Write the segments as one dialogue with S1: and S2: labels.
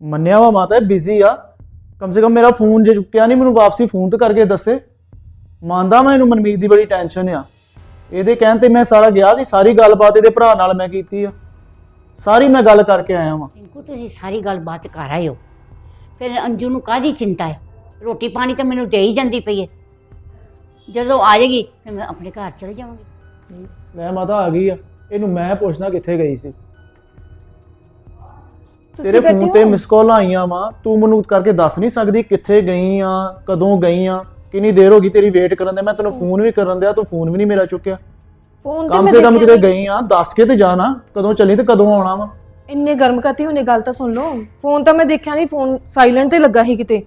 S1: ਮੰਨਿਆ ਵਾ ਮਾਤਾ ਬਿਜ਼ੀ ਆ। ਕਮ ਸੇ ਕਮ ਮੇਰਾ ਫੋਨ ਜੇ ਚੁੱਕਿਆ ਨਹੀਂ, ਮੈਨੂੰ ਵਾਪਸੀ ਫੋਨ ਤੇ ਕਰਕੇ ਦੱਸੇ। ਮੰਨਦਾ ਮੈਂ ਇਹਨੂੰ ਮਨਮੀਤ ਦੀ ਬੜੀ ਟੈਨਸ਼ਨ ਆ। ਇਹਦੇ ਕਹਿਣ ਤੇ ਮੈਂ ਸਾਰਾ ਗਿਆ ਸੀ, ਸਾਰੀ ਗੱਲਬਾਤ ਇਹਦੇ ਭਰਾ ਨਾਲ ਮੈਂ ਕੀਤੀ ਆ, ਸਾਰੀ ਮੈਂ ਗੱਲ ਕਰਕੇ ਆਇਆ ਵਾਂ।
S2: ਰਿੰਕੂ ਤੁਸੀਂ ਸਾਰੀ ਗੱਲਬਾਤ ਕਰ ਆਏ ਹੋ, ਫਿਰ ਅੰਜੂ ਨੂੰ ਕਾਹਦੀ ਚਿੰਤਾ ਹੈ? ਰੋਟੀ ਪਾਣੀ ਤਾਂ ਮੈਨੂੰ ਦੇ ਹੀ ਜਾਂਦੀ ਪਈ ਹੈ। ਜਦੋਂ ਆ ਜਾਏਗੀ ਫਿਰ ਮੈਂ ਆਪਣੇ ਘਰ ਚਲੇ ਜਾਵਾਂਗੀ।
S1: ਮੈਂ ਮਾਤਾ ਆ ਗਈ ਆ, ਇਹਨੂੰ ਮੈਂ ਪੁੱਛਣਾ ਕਿੱਥੇ ਗਈ ਸੀ।
S3: ਤੁਸੀਂ
S1: ਤੇਰੇ
S3: ਬੈਠੇ
S1: ਫੋਨ ਤੇ
S3: ਹੋ?
S1: ਮਿਸ ਕਾਲ ਆਈਆਂ ਵਾ, ਤੂੰ ਮੈਨੂੰ ਕਰਕੇ ਦੱਸ ਨਹੀਂ ਸਕਦੀ ਕਿੱਥੇ ਗਈ ਆ, ਕਦੋਂ ਗਈ ਆ, ਕਿੰਨੀ ਦੇਰ ਹੋ ਗਈ ਤੇਰੀ ਵੇਟ ਕਰਨ ਦੇ। ਮੈਂ ਤੈਨੂੰ ਫੋਨ ਵੀ ਕਰਨ ਦਿਆ, ਤੂੰ ਫੋਨ ਵੀ ਨਹੀਂ ਮੇਰਾ ਚੁੱਕਿਆ।
S3: ਫੋਨ ਤੇ
S1: ਕਮ
S3: ਮੈਂ
S1: ਸੇ ਕਮ
S3: ਦੇਖਿਆ
S1: ਕਿਤੇ ਗਈ ਆ ਦੱਸ ਕੇ ਤੇ ਜਾਣਾ, ਕਦੋਂ ਚੱਲੀ ਤੇ ਕਦੋਂ ਆਉਣਾ ਵਾ।
S3: ਇੰਨੇ ਗਰਮ ਕਰਤੀ ਹੁਣੇ, ਗੱਲ ਤਾਂ ਸੁਣ ਲਓ। ਫੋਨ ਤਾਂ ਮੈਂ ਦੇਖਿਆ ਨਹੀਂ, ਫੋਨ ਸਾਇਲੈਂਟ ਤੇ ਲੱਗਾ ਸੀ ਕਿਤੇ।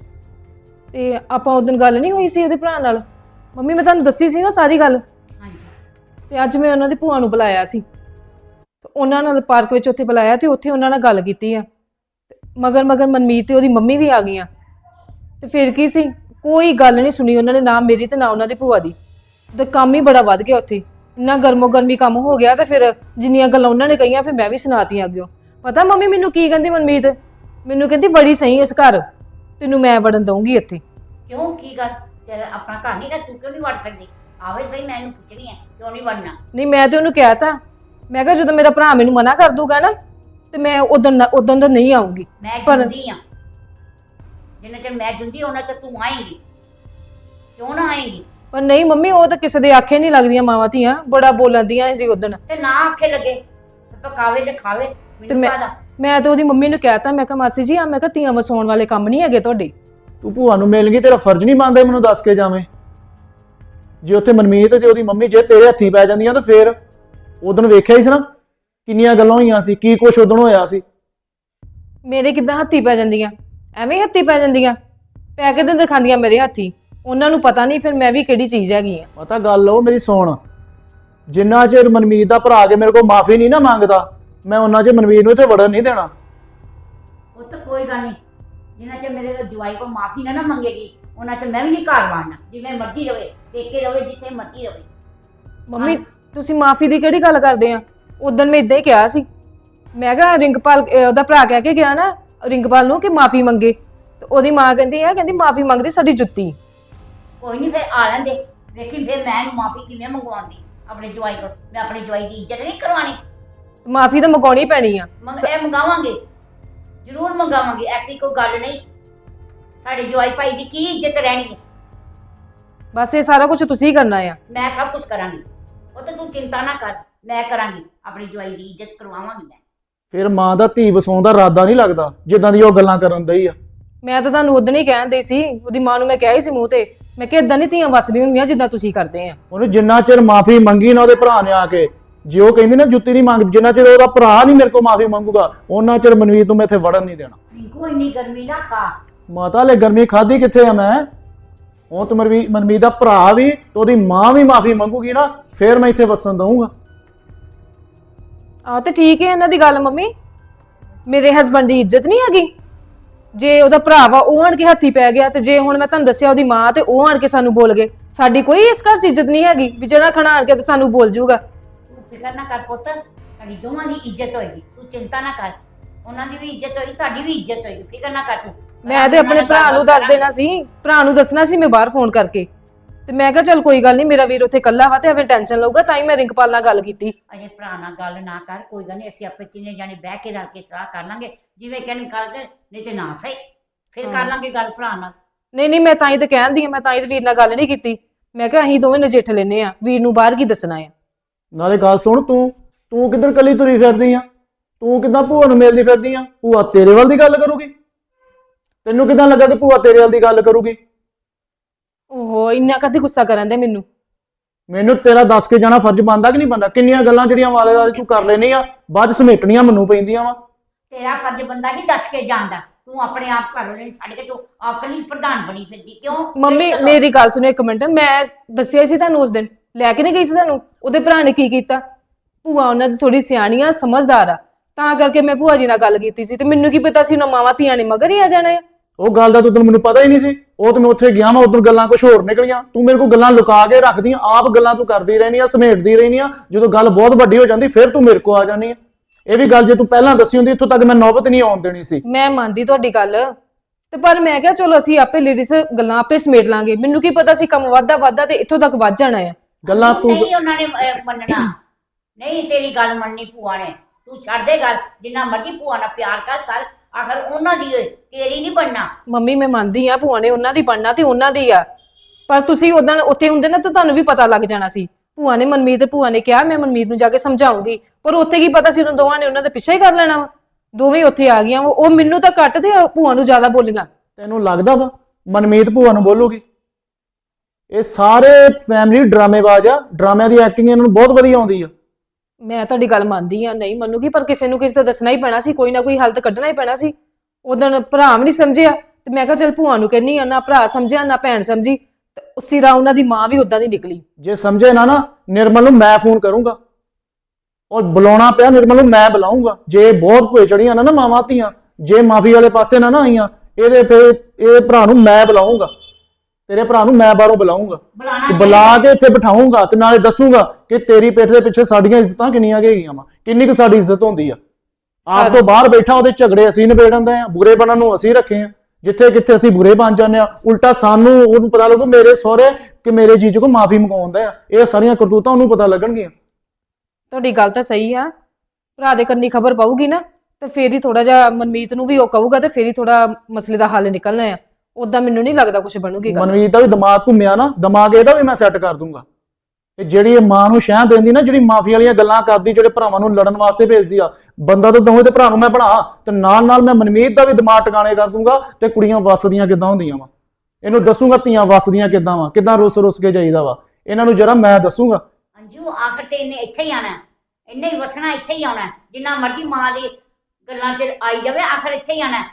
S3: ਤੇ ਆਪਾਂ ਉਦੋਂ ਗੱਲ ਨਹੀਂ ਹੋਈ ਸੀ ਉਹਦੇ ਭਰਾ ਨਾਲ? ਮੰਮੀ ਮੈਂ ਤੁਹਾਨੂੰ ਦੱਸੀ ਸੀ ਨਾ ਸਾਰੀ ਗੱਲ।
S2: ਹਾਂਜੀ।
S3: ਤੇ ਅੱਜ ਮੈਂ ਉਹਨਾਂ ਦੀ ਭੂਆ ਨੂੰ ਬੁਲਾਇਆ ਸੀ, ਤੇ ਉਹਨਾਂ ਨਾਲ ਪਾਰਕ ਵਿੱਚ ਉੱਥੇ ਬੁਲਾਇਆ ਤੇ ਉੱਥੇ ਉਹਨਾਂ ਨਾਲ ਗੱਲ ਕੀਤੀ ਆ। ਮਗਰ ਮਗਰ ਮਨਮੀਤ ਤੇ ਉਹਦੀ ਮੰਮੀ ਵੀ ਆ ਗਈਆਂ। ਤੇ ਫਿਰ ਕੀ ਸੀ, ਕੋਈ ਗੱਲ ਨਹੀਂ ਸੁਣੀ ਉਹਨਾਂ ਨੇ, ਨਾ ਮੇਰੀ ਤੇ ਨਾ ਉਹਨਾਂ ਦੀ ਭੂਆ ਦੀ। ਤੇ ਕੰਮ ਹੀ ਬੜਾ ਵੱਧ ਗਿਆ ਉੱਥੇ, ਇੰਨਾ ਗਰਮੋ ਗਰਮੀ ਕੰਮ ਹੋ ਗਿਆ। ਤੇ ਫਿਰ ਜਿੰਨੀਆਂ ਗੱਲਾਂ ਉਹਨਾਂ ਨੇ ਕਹੀਆਂ ਫਿਰ ਮੈਂ ਵੀ ਸੁਣਾਤੀਆਂ ਅੱਗਿਓ। ਪਤਾ ਮੰਮੀ ਮੈਨੂੰ ਕੀ ਕਹਿੰਦੀ ਮਨਮੀਤ? ਮੈਨੂੰ ਕਹਿੰਦੀ ਬੜੀ ਸਹੀ ਇਸ ਘਰ, ਤੈਨੂੰ ਮੈਂ ਵੜਨ ਦਊਂਗੀ ਇੱਥੇ।
S2: ਕਿਉਂ, ਕੀ ਗੱਲ? ਤੇਰਾ ਆਪਣਾ ਘਰ ਨਹੀਂ ਗਾ, ਤੂੰ ਕਿਉਂ ਨਹੀਂ ਵੜ ਸਕਦੀ? ਆਵੇ ਸਹੀ, ਮੈਂ ਇਹਨੂੰ ਪੁੱਛਣੀ ਹੈ ਕਿਉਂ ਨਹੀਂ ਵੜਨਾ।
S3: ਨਹੀਂ ਮੈਂ ਤੇ ਉਹਨੂੰ ਕਿਹਾ ਤਾ, ਮੈਂ ਕਿਹਾ ਜਦੋਂ ਮੇਰਾ ਭਰਾ ਮੈਨੂੰ ਮਨਾ ਕਰ ਦੂਗਾ ਨਾ ਤੇ ਮੈਂ ਉਦੋਂ ਦਾ ਨਹੀਂ ਆਉਂਗੀ।
S2: ਮੈਂ
S3: ਪਰ-
S2: ਜਿੰਦੀ ਆ, ਜਿੰਨਾ ਚਿਰ ਮੈਂ ਜਿੰਦੀ ਉਹਨਾਂ ਚਿਰ ਤੂੰ ਆਏਂਗੀ। ਕਿਉਂ ਨਾ ਆਏਂਗੀ?
S3: ਪਰ ਨਹੀਂ ਮੰਮੀ, ਉਹ ਤਾਂ ਕਿਸੇ ਦੇ ਆਖੇ ਨਹੀਂ ਲੱਗਦੀਆਂ ਮਾਵਾਂ ਧੀਆਂ, ਬੜਾ ਬੋਲਦੀਆਂ ਸੀ ਉਦਣ।
S2: ਤੇ ਨਾ ਆਖੇ ਲੱਗੇ, ਪਕਾਵੇ ਤੇ ਖਾਵੇ।
S3: ਤੇ
S2: ਮੈਨੂੰ ਕਾਹਦਾ?
S3: ਮੈਂ ਤਾਂ ਉਹਦੀ ਮੰਮੀ ਨੂੰ ਕਹਿਤਾ, ਮੈਂ ਕਿਹਾ ਮਾਸੀ ਜੀ ਆ, ਮੈਂ ਕਿਹਾ ਧੀਆਂ ਵਸਾਉਣ ਵਾਲੇ ਕੰਮ ਨਹੀਂ ਹੈਗੇ ਤੁਹਾਡੇ।
S1: ਤੂੰ ਭੂਆ ਨੂੰ ਮਿਲ ਗਈ, ਤੇਰਾ ਫਰਜ਼ ਨਹੀਂ ਬਣਦਾ ਮੈਨੂੰ ਦੱਸ ਕੇ ਜਾਵੇਂ? ਜੇ ਉੱਥੇ ਮਨਮੀਤ ਤੇ ਉਹਦੀ ਮੰਮੀ ਜੇ ਤੇਰੇ ਹੱਥੀਂ ਪੈ ਜਾਂਦੀਆਂ ਤਾਂ ਫੇਰ ਉਦੋਂ ਵੇਖਿਆ ਹੀ ਸੀ ਨਾ ਕਿੰਨੀਆਂ ਗੱਲਾਂ ਹੋਈਆਂ ਸੀ, ਕੀ ਕੁਛ ਉਦੋਂ ਹੋਇਆ ਸੀ।
S3: ਮੇਰੇ ਕਿੱਦਾਂ ਹੱਥੀ ਪੈ ਜਾਂਦੀਆਂ? ਐਵੇਂ ਹੀ ਹੱਥੀ ਪੈ ਜਾਂਦੀਆਂ, ਪੈ ਕੇ ਤਾਂ ਦਿਖਾਉਂਦੀਆਂ ਮੇਰੇ ਹੱਥੀ। ਉਹਨਾਂ ਨੂੰ ਪਤਾ ਨਹੀਂ ਫਿਰ ਮੈਂ ਵੀ ਕਿਹੜੀ ਚੀਜ਼ ਹੈਗੀ ਆ।
S1: ਪਤਾ ਗੱਲ ਉਹ ਮੇਰੀ ਸੁਣ, ਜਿੰਨਾ ਚਿਰ ਮਨਮੀਤ ਦਾ ਭਰਾ ਕੇ ਮੇਰੇ ਕੋਲ ਮਾਫੀ ਨਹੀਂ ਨਾ ਮੰਗਦਾ, ਮੈਂ ਉਹਨਾਂ ਚਿਰ ਮਨਮੀਤ ਨੂੰ ਇੱਥੇ ਵੜਨ ਨਹੀਂ ਦੇਣਾ।
S2: ਉਹ ਤਾਂ ਕੋਈ ਗੱਲ ਨਹੀਂ, ਜਿੰਨਾ ਚਿਰ ਮੇਰੇ ਜਵਾਈ ਕੋਲ ਮਾਫੀ ਨਾ ਮੰਗੇਗੀ ਉਹਨਾਂ ਚਿਰ ਮੈਂ ਵੀ ਨਹੀਂ ਘਰ ਵਾੜਨਾ। ਜਿਵੇਂ ਮਰਜ਼ੀ ਰਵੇ, ਪੇਕੇ ਰਵੇ, ਜਿੱਥੇ ਮਰਜ਼ੀ ਰਵੇ।
S3: ਮੰਮੀ ਤੁਸੀਂ ਮਾਫੀ ਦੀ ਕਿਹੜੀ ਗੱਲ ਕਰਦੇ ਆ? ਉਦੋਂ ਮੈਂ ਇਦਾਂ ਹੀ ਕਿਹਾ ਸੀ, ਮੈਂ ਕਿਹਾ ਰਿੰਕਪਾਲ ਉਹਦਾ ਭਰਾ ਕਹਿ ਕੇ ਗਿਆ ਨਾ ਰਿੰਕਪਾਲ ਨੂੰ ਕਿ ਮਾਫੀ ਮੰਗੇ, ਤੇ ਉਹਦੀ ਮਾਂ ਕਹਿੰਦੀ ਆ, ਕਹਿੰਦੀ ਮਾਫੀ ਮੰਗਦੀ ਸਾਡੀ ਜੁੱਤੀ।
S2: ਕੋਈ ਨਹੀਂ, ਫਿਰ ਆ ਲੈਂਦੇ, ਵੇਖੀ ਫਿਰ ਮੈਂ ਇਹਨੂੰ ਮਾਫੀ ਕਿਵੇਂ ਮੰਗਵਾਉਂਦੀ ਆਪਣੇ ਜਵਾਈ ਕੋਲ। ਮੈਂ ਆਪਣੇ ਜਵਾਈ ਦੀ ਇੱਜ਼ਤ ਨਹੀਂ ਕਰਵਾਉਣੀ।
S3: ਮਾਫੀ ਤਾਂ ਮੰਗਾਉਣੀ ਪੈਣੀ ਆ।
S2: ਇਹ ਮੰਗਾਵਾਂਗੇ, ਜ਼ਰੂਰ ਮੰਗਾਵਾਂਗੇ, ਐਸੀ ਕੋਈ ਗੱਲ ਨਹੀਂ। ਸਾਡੇ ਜਵਾਈ ਭਾਈ ਦੀ ਕੀ ਇੱਜ਼ਤ ਰਹਿਣੀ ਹੈ?
S3: ਬਸ ਇਹ ਸਾਰਾ ਕੁਝ ਤੁਸੀਂ ਹੀ ਕਰਨਾ ਆ।
S2: ਮੈਂ ਸਭ ਕੁਝ ਕਰਾਂਗੀ, ਉਹ ਤਾਂ ਤੂੰ ਚਿੰਤਾ ਨਾ ਕਰ, ਮੈਂ ਕਰਾਂਗੀ। ਆਪਣੀ ਜਵਾਈ ਦੀ ਇੱਜ਼ਤ ਕਰਵਾਵਾਂਗੀ ਮੈਂ।
S1: ਫਿਰ ਮਾਂ ਦਾ ਧੀ ਵਸਾਉਣ ਦਾ ਇਰਾਦਾ ਨਹੀਂ ਲੱਗਦਾ ਜਿੱਦਾਂ ਦੀ ਉਹ ਗੱਲਾਂ ਕਰਨ ਦਈ ਆ।
S3: ਮੈਂ ਤਾਂ ਤੁਹਾਨੂੰ ਉਦੋਂ ਹੀ ਕਹਿਣ ਦਈ ਸੀ, ਉਹਦੀ ਮਾਂ ਨੂੰ ਮੈਂ ਕਿਹਾ ਹੀ ਸੀ ਮੂੰਹ ਤੇ, ਮੈਂ ਕਿਹਾ ਇਦਾਂ ਨਹੀਂ ਧੀਆਂ ਵਸਦੀਆਂ ਹੁੰਦੀਆਂ ਜਿੱਦਾਂ ਤੁਸੀਂ ਕਰਦੇ ਆ।
S1: ਉਹਨੇ ਜਿੰਨਾ ਚਿਰ ਮਾਫੀ ਮੰਗੀ ਨਾ ਉਹਦੇ ਭਰਾ ਨੇ ਆ ਕੇ, ਜੇ ਉਹ ਕਹਿੰਦੀ ਨਾ ਜੁੱਤੀ ਨਹੀਂ ਮੰਗ, ਜਿੰਨਾ ਚਿਰ ਉਹਦਾ ਭਰਾ ਨਹੀਂ ਮੇਰੇ ਕੋਲ ਮਾਫੀ ਮੰਗੂਗਾ ਉਹਨਾਂ ਚਿਰ ਮਨਵੀਰ ਨੂੰ ਮੈਂ ਇੱਥੇ ਵੜਨ ਨਹੀਂ ਦੇਣਾ।
S2: ਰਿੰਕੂ ਇੰਨੀ ਗਰਮੀ ਨਾ ਖਾ।
S1: ਮਾਤਾ ਲੈ ਗਰਮੀ ਖਾਦੀ ਕਿੱਥੇ ਆ ਮੈਂ? ਉਹ ਤੇ ਮਨਮੀਤ ਦਾ ਭਰਾ ਵੀ ਤੇ ਉਹਦੀ ਮਾਂ ਵੀ ਮਾਫੀ ਮੰਗੂਗੀ ਨਾ, ਫੇਰ ਮੈਂ ਇੱਥੇ ਵਸਣ ਦਊਂਗਾ।
S3: ਆਹ ਤੇ ਠੀਕ ਹੈ ਇਹਨਾਂ ਦੀ ਗੱਲ ਮੰਮੀ, ਮੇਰੇ ਹਸਬੰਡ ਦੀ ਇੱਜ਼ਤ ਨਹੀਂ ਹੈਗੀ? ਜੇ ਉਹਦਾ ਭਰਾ ਵਾ ਉਹ ਆਣ ਕੇ ਹੱਥੀ ਪੈ ਗਿਆ, ਤੇ ਜੇ ਹੁਣ ਮੈਂ ਤੁਹਾਨੂੰ ਦੱਸਿਆ ਉਹਦੀ ਮਾਂ ਤੇ ਉਹ ਆਣ ਕੇ ਸਾਨੂੰ ਬੋਲ ਗਏ, ਸਾਡੀ ਕੋਈ ਇਸ ਘਰ 'ਚ ਇੱਜ਼ਤ ਨਹੀਂ ਹੈਗੀ ਵੀ ਜਿਹੜਾ ਖਣਾ ਆਣ ਕੇ ਤੇ ਸਾਨੂੰ ਬੋਲ ਜਾਊਗਾ।
S2: ਤੂੰ ਫਿਕਰ ਨਾ ਕਰ ਪੁੱਤ, ਸਾਡੀ ਦੋਵਾਂ ਦੀ ਇੱਜ਼ਤ ਹੋਏਗੀ, ਤੂੰ ਚਿੰਤਾ ਨਾ ਕਰ। ਉਹਨਾਂ ਦੀ ਵੀ ਇੱਜ਼ਤ ਹੋਏਗੀ, ਤੁਹਾਡੀ ਵੀ ਇੱਜ਼ਤ ਹੋਏਗੀ, ਫਿਕਰ ਨਾ ਕਰ ਤੂੰ।
S3: ਮੈਂ ਤੇ ਆਪਣੇ ਭਰਾ ਨੂੰ ਦੱਸ ਦੇਣਾ ਸੀ, ਭਰਾ ਨੂੰ ਦੱਸਣਾ ਸੀ ਮੈਂ ਬਾਹਰ ਫੋਨ ਕਰਕੇ, ਤੇ ਮੈਂ ਕਿਹਾ ਚੱਲ ਕੋਈ ਗੱਲ ਨਹੀਂ, ਮੇਰਾ ਵੀਰ ਉੱਥੇ ਇਕੱਲਾ ਵਾ ਤੇ ਐਵੇਂ ਟੈਨਸ਼ਨ ਲਊਗਾ, ਤਾਂ ਹੀ ਮੈਂ ਰਿੰਕਪਾਲ ਨਾਲ ਗੱਲ ਕੀਤੀ।
S2: ਅਜੇ ਭਰਾ ਨਾਲ ਗੱਲ ਨਾ ਕਰ, ਕੋਈ ਗੱਲ ਨਹੀਂ, ਅਸੀਂ ਆਪੇ ਤਿੰਨੇ ਜਾਣੇ ਬਹਿ ਕੇ ਰਲ ਕੇ ਸਲਾਹ ਕਰ ਲਾਂਗੇ, ਜਿਵੇਂ ਕਹਿੰਦੇ ਕਰਕੇ, ਨਹੀਂ ਤੇ ਨਾ ਸਹੀ, ਫਿਰ ਕਰ ਲਾਂਗੇ ਗੱਲ ਭਰਾ ਨਾਲ।
S3: ਨਹੀਂ ਮੈਂ ਤਾਂ ਹੀ ਤੇ ਕਹਿੰਦੀ ਆ, ਮੈਂ ਤਾਂ ਹੀ ਤੇ ਵੀਰ ਨਾਲ ਗੱਲ ਨਹੀਂ ਕੀਤੀ। ਮੈਂ ਕਿਹਾ ਅਸੀਂ ਦੋਵੇਂ ਨਜਿੱਠ ਲੈਨੇ ਆ, ਵੀਰ ਨੂੰ ਬਾਹਰ ਕੀ ਦੱਸਣਾ ਆ।
S1: ਨਾਲੇ ਗੱਲ ਸੁਣ, ਤੂੰ ਕਿੱਧਰ ਕੱਲੀ ਤੁਰੀ ਫਿਰਦੀ ਆ? ਤੂੰ ਕਿੱਦਾਂ ਭੂਆ ਨੂੰ ਮਿਲਦੀ ਫਿਰਦੀ ਆ? ਭੂਆ ਤੇਰੇ ਵੱਲ ਦੀ ਗੱਲ ਕਰੂਗੀ? ਤੈਨੂੰ ਕਿੱਦਾਂ ਲੱਗਾ ਕਿ ਭੂਆ ਤੇਰੇ ਵੱਲ ਦੀ ਗੱਲ ਕਰੂਗੀ?
S3: ਓਹੋ ਇੰਨਾ ਕਦੇ ਗੁੱਸਾ ਕਰਨ ਦੇ ਮੈਨੂੰ?
S1: ਮੈਨੂੰ ਤੇਰਾ ਦੱਸ ਕੇ ਜਾਣਾ ਫਰਜ਼ ਬਣਦਾ ਕਿ ਨਹੀਂ ਬਣਦਾ? ਕਿੰਨੀਆਂ ਗੱਲਾਂ ਜਿਹੜੀਆਂ ਵਾਲੇ ਵਾਲੇ ਤੂੰ ਕਰ ਲੈਣੀ ਆ, ਬਾਅਦ ਚ ਸਮੇਟਣੀਆਂ ਮੈਨੂੰ ਪੈਂਦੀਆਂ ਵਾ।
S2: ਤੇਰਾ ਫਰਜ਼ ਬੰਦਾ ਹੀ ਦੱਸ ਕੇ ਜਾਂਦਾ, ਤੂੰ ਆਪਣੇ ਆਪ ਘਰ ਵਾਲੇ ਛੱਡ ਕੇ ਤੂੰ ਆਪਣੀ ਪ੍ਰਧਾਨ ਬਣੀ ਫਿਰਦੀ ਕਿਉਂ?
S3: ਮੰਮੀ ਮੇਰੀ ਗੱਲ ਸੁਣੋ ਇੱਕ ਮਿੰਟ, ਮੈਂ ਦੱਸਿਆ ਸੀ ਤੁਹਾਨੂੰ ਉਸ ਦਿਨ, ਲੈ ਕੇ ਨਹੀਂ ਗਈ ਸੀ ਤੁਹਾਨੂੰ? ਉਹਦੇ ਭਰਾ ਨੇ ਕੀ ਕੀਤਾ? ਭੂਆ ਉਹਨਾਂ ਦੀ ਥੋੜੀ ਸਿਆਣੀ ਆ, ਸਮਝਦਾਰ ਆ, ਤਾਂ ਕਰਕੇ ਮੈਂ ਭੂਆ ਜੀ ਨਾਲ ਗੱਲ ਕੀਤੀ ਸੀ, ਤੇ ਮੈਨੂੰ ਕੀ ਪਤਾ ਸੀ ਉਹਨਾਂ ਮਾਵਾਂ ਧੀਆਂ ਨੇ ਮਗਰ ਹੀ ਆ ਜਾਣਾ ਆ।
S1: ਉਹ ਗੱਲ ਦਾ ਤੈਨੂੰ ਮੈਨੂੰ ਪਤਾ ਹੀ ਨਹੀਂ ਸੀ। ਉਹ ਤੇ ਮੈਂ ਉੱਥੇ ਗਿਆ ਮੈਂ, ਉਦੋਂ ਗੱਲਾਂ ਕੁਝ ਹੋਰ ਨਿਕਲੀਆਂ। ਤੂੰ ਮੇਰੇ ਕੋਲ ਗੱਲਾਂ ਲੁਕਾ ਕੇ ਰੱਖਦੀ, ਆਪ ਗੱਲਾਂ ਤੂੰ ਕਰਦੀ ਰਹਿਨੀ ਆ, ਸਮੇਟਦੀ ਰਹਿਨੀ ਆ। ਜਦੋਂ ਗੱਲ ਬਹੁਤ ਵੱਡੀ ਹੋ ਜਾਂਦੀ ਫਿਰ ਤੂੰ ਮੇਰੇ ਕੋਲ ਆ ਜਾਨੀ ਆ। ਇਹ ਵੀ ਗੱਲ ਜੇ ਤੂੰ ਪਹਿਲਾਂ ਦੱਸੀ ਹੁੰਦੀ ਇੱਥੋਂ ਤੱਕ ਮੈਂ ਨੌਬਤ ਨਹੀਂ ਆਉਣ ਦੇਣੀ ਸੀ।
S3: ਮੈਂ ਮੰਨਦੀ ਤੁਹਾਡੀ ਗੱਲ, ਤੇ ਪਰ ਮੈਂ ਕਿਹਾ ਚਲੋ ਅਸੀਂ ਆਪੇ ਲੇਡੀਜ਼ ਗੱਲਾਂ ਆਪੇ ਸਮੇਟ ਲਾਂਗੇ। ਮੈਨੂੰ ਕੀ ਪਤਾ ਸੀ ਕੰਮ ਵੱਧਦਾ ਤੇ ਇੱਥੋਂ ਤੱਕ ਵੱਧ ਜਾਣਾ ਆ।
S1: ਗੱਲਾਂ ਤੂੰ
S2: ਨਹੀਂ ਉਹਨਾਂ ਨੇ ਮੰਨਣਾ, ਨਹੀਂ ਤੇਰੀ ਗੱਲ ਮੰਨਣੀ ਭੂਆ ਨੇ। ਤੂੰ ਛੱਡ ਦੇ ਗੱਲ, ਜਿੰਨਾ ਮਰਜ਼ੀ ਭੂਆ ਨਾਲ ਪਿਆਰ ਕਰ ਆਖਰ ਉਹਨਾਂ ਦੀ ਓਏ, ਤੇਰੀ ਨਹੀਂ ਬਣਨਾ।
S3: ਮੰਮੀ ਮੈਂ ਮੰਨਦੀ ਆ ਭੂਆ ਨੇ ਉਹਨਾਂ ਦੀ ਬਣਨਾ ਤੇ ਉਹਨਾਂ ਦੀ ਆ, ਪਰ ਤੁਸੀਂ ਉਦੋਂ ਉੱਥੇ ਹੁੰਦੇ ਨਾ ਤਾਂ ਤੁਹਾਨੂੰ ਵੀ ਪਤਾ ਲੱਗ ਜਾਣਾ ਸੀ। ਭੂਆ ਨੇ ਮਨਮੀਤ ਤੇ ਭੂਆ ਨੇ ਕਿਹਾ ਮੈਂ ਮਨਮੀਤ ਨੂੰ ਜਾ ਕੇ ਸਮਝਾਉਂਗੀ, ਪਰ ਉੱਥੇ ਕੀ ਪਤਾ ਸੀ ਉਹਨਾਂ ਦੋਵਾਂ ਨੇ ਉਹਨਾਂ ਦਾ ਪਿੱਛਾ ਹੀ ਕਰ ਲੈਣਾ ਵਾ। ਦੋਵੇਂ ਉੱਥੇ ਆ ਗਈਆਂ, ਉਹ ਮੈਨੂੰ ਤਾਂ ਘੱਟ ਤੇ ਭੂਆ ਨੂੰ ਜ਼ਿਆਦਾ ਬੋਲੀਆਂ।
S1: ਤੈਨੂੰ ਲੱਗਦਾ ਵਾ ਮਨਮੀਤ ਭੂਆ ਨੂੰ ਬੋਲੂਗੀ? ਇਹ ਸਾਰੇ ਫੈਮਿਲੀ ਡਰਾਮੇਬਾਜ਼ ਆ, ਡਰਾਮਿਆਂ ਦੀ ਐਕਟਿੰਗ ਇਹਨਾਂ ਨੂੰ ਬਹੁਤ ਵਧੀਆ ਆਉਂਦੀ ਆ।
S3: ਮੈਂ ਤੁਹਾਡੀ ਗੱਲ ਮੰਨਦੀ ਆ, ਨਹੀਂ ਮੰਨੂਗੀ, ਪਰ ਕਿਸੇ ਨੂੰ ਕਿਸੇ ਦਾ ਦੱਸਣਾ ਹੀ ਪੈਣਾ ਸੀ, ਕੋਈ ਨਾ ਕੋਈ ਹੱਲ ਤਾਂ ਕੱਢਣਾ ਹੀ ਪੈਣਾ ਸੀ। ਉਦੋਂ ਭਰਾ ਵੀ ਨਹੀਂ ਸਮਝਿਆ ਤੇ ਮੈਂ ਕਿਹਾ ਚੱਲ ਭੂਆ ਨੂੰ ਕਹਿੰਨੀ ਆ, ਨਾ ਭਰਾ ਸਮਝਿਆ ਨਾ ਭੈਣ ਸਮਝੀ, ਤੇ ਉਸੇ ਰਾਹ ਉਹਨਾਂ ਦੀ ਮਾਂ ਵੀ ਉਦਾਂ ਦੀ ਨਿਕਲੀ।
S1: ਜੇ ਸਮਝੇ ਨਾ ਨਿਰਮਲ ਨੂੰ ਮੈਂ ਫੋਨ ਕਰੂੰਗਾ, ਔਰ ਬੁਲਾਉਣਾ ਪਿਆ ਨਿਰਮਲ ਨੂੰ ਮੈਂ ਬੁਲਾਉਂਗਾ। ਜੇ ਬਹੁਤ ਭੋਏ ਚੜੀਆਂ ਨਾ ਮਾਵਾਂ ਧੀਆਂ, ਜੇ ਮਾਫੀ ਵਾਲੇ ਪਾਸੇ ਨਾ ਆਈਆਂ, ਇਹਦੇ ਫਿਰ ਇਹ ਭਰਾ ਨੂੰ ਮੈਂ ਬੁਲਾਉਂਗਾ, ਤੇਰੇ ਭਰਾ ਨੂੰ ਮੈਂ ਬਾਹਰੋਂ ਬੁਲਾਉਂਗਾ, ਬੁਲਾ ਕੇ ਇੱਥੇ ਬਿਠਾਉਂਗਾ ਤੇ ਨਾਲੇ ਦੱਸੂਗਾ ਕਿ ਤੇਰੀ ਪਿੱਠ ਦੇ ਪਿੱਛੇ ਸਾਡੀਆਂ ਇੱਜ਼ਤਾਂ ਕਿੰਨੀਆਂ ਗਈਆਂ ਵਾ, ਕਿੰਨੀ ਕੁ ਸਾਡੀ ਇੱਜ਼ਤ ਹੁੰਦੀ ਆ। ਆਪ ਤੋਂ ਬਾਹਰ ਬੈਠਾ ਉਹਦੇ ਝਗੜੇ ਅਸੀਂ ਨਿਬੇੜਨ ਦੇ ਆ, ਬੁਰੇ ਬਣਨ ਨੂੰ ਅਸੀਂ ਰੱਖੇ ਆ, ਜਿੱਥੇ ਕਿੱਥੇ ਅਸੀਂ ਬੁਰੇ ਬਣ ਜਾਂਦੇ ਆ। ਉਲਟਾ ਸਾਨੂੰ ਉਹਨੂੰ ਪਤਾ ਲੱਗੂ ਮੇਰੇ ਸਹੁਰੇ ਕਿ ਮੇਰੇ ਜੀਜੂ ਕੋ ਮਾਫੀ ਮੰਗਵਾਉਂਦਾ ਆ। ਇਹ ਸਾਰੀਆਂ ਕਰਤੂਤਾਂ ਉਹਨੂੰ ਪਤਾ ਲੱਗਣਗੀਆਂ।
S3: ਤੁਹਾਡੀ ਗੱਲ ਤਾਂ ਸਹੀ ਆ, ਭਰਾ ਦੇ ਕੰਨੀ ਖਬਰ ਪਾਊਗੀ ਨਾ ਤੇ ਫੇਰ ਹੀ ਥੋੜਾ ਜਿਹਾ ਮਨਮੀਤ ਨੂੰ ਵੀ ਉਹ ਕਹੂਗਾ ਤੇ ਫੇਰ ਹੀ ਥੋੜਾ ਮਸਲੇ ਦਾ ਹੱਲ ਨਿਕਲਣਾ ਆ। ਉਦਾਂ ਮੈਨੂੰ ਨਹੀਂ ਲੱਗਦਾ ਕੁਝ ਬਣੂਗੀ ਗੱਲ।
S1: ਮਨਮੀਤ ਦਾ ਵੀ ਦਿਮਾਗ ਘੁੰਮਿਆ ਨਾ, ਦਿਮਾਗ ਇਹਦਾ ਵੀ ਮੈਂ ਸੈੱਟ ਕਰ ਦੂੰਗਾ। ਤੇ ਜਿਹੜੀ ਇਹ ਮਾਂ ਨੂੰ ਸ਼ਹਿ ਦਿੰਦੀ ਨਾ, ਜਿਹੜੀ ਮਾਫੀ ਵਾਲੀਆਂ ਗੱਲਾਂ ਕਰਦੀ, ਜਿਹੜੇ ਭਰਾਵਾਂ ਨੂੰ ਲੜਨ ਵਾਸਤੇ ਭੇਜਦੀ ਆ, ਬੰਦਾ ਤਾਂ ਦੋਵੇਂ ਤੇ ਭਰਾ ਨੂੰ ਮੈਂ ਬਣਾ ਤੇ ਨਾਲ ਮੈਂ ਮਨਮੀਤ ਦਾ ਵੀ ਦਿਮਾਗ ਟਿਕਾਣੇ ਕਰ ਦੂੰਗਾ। ਤੇ ਕੁੜੀਆਂ ਵੱਸਦੀਆਂ ਕਿੱਦਾਂ ਹੁੰਦੀਆਂ ਵਾ ਇਹਨੂੰ ਦੱਸੂਗਾ, ਧੀਆਂ ਵੱਸਦੀਆਂ ਕਿੱਦਾਂ ਵਾ, ਕਿੱਦਾਂ ਰੁੱਸ ਕੇ ਜਾਈਦਾ ਵਾ, ਇਹਨਾਂ ਨੂੰ ਜਰਾ ਮੈਂ ਦੱਸੂਗਾ।
S2: ਅੰਜੂ ਆਖਰ ਤੇ ਇਹਨੇ ਇੱਥੇ ਹੀ ਆਣਾ, ਇਹਨੇ ਹੀ ਵਸਣਾ, ਇੱਥੇ ਹੀ ਆਉਣਾ। ਜਿੰਨਾ ਮਰਜ਼ੀ ਮਾਂ ਦੀ ਗੱਲਾਂ 'ਚ ਆਈ ਜਾਵੇ, ਆਖਰ ਇੱਥੇ ਹੀ ਆਣਾ।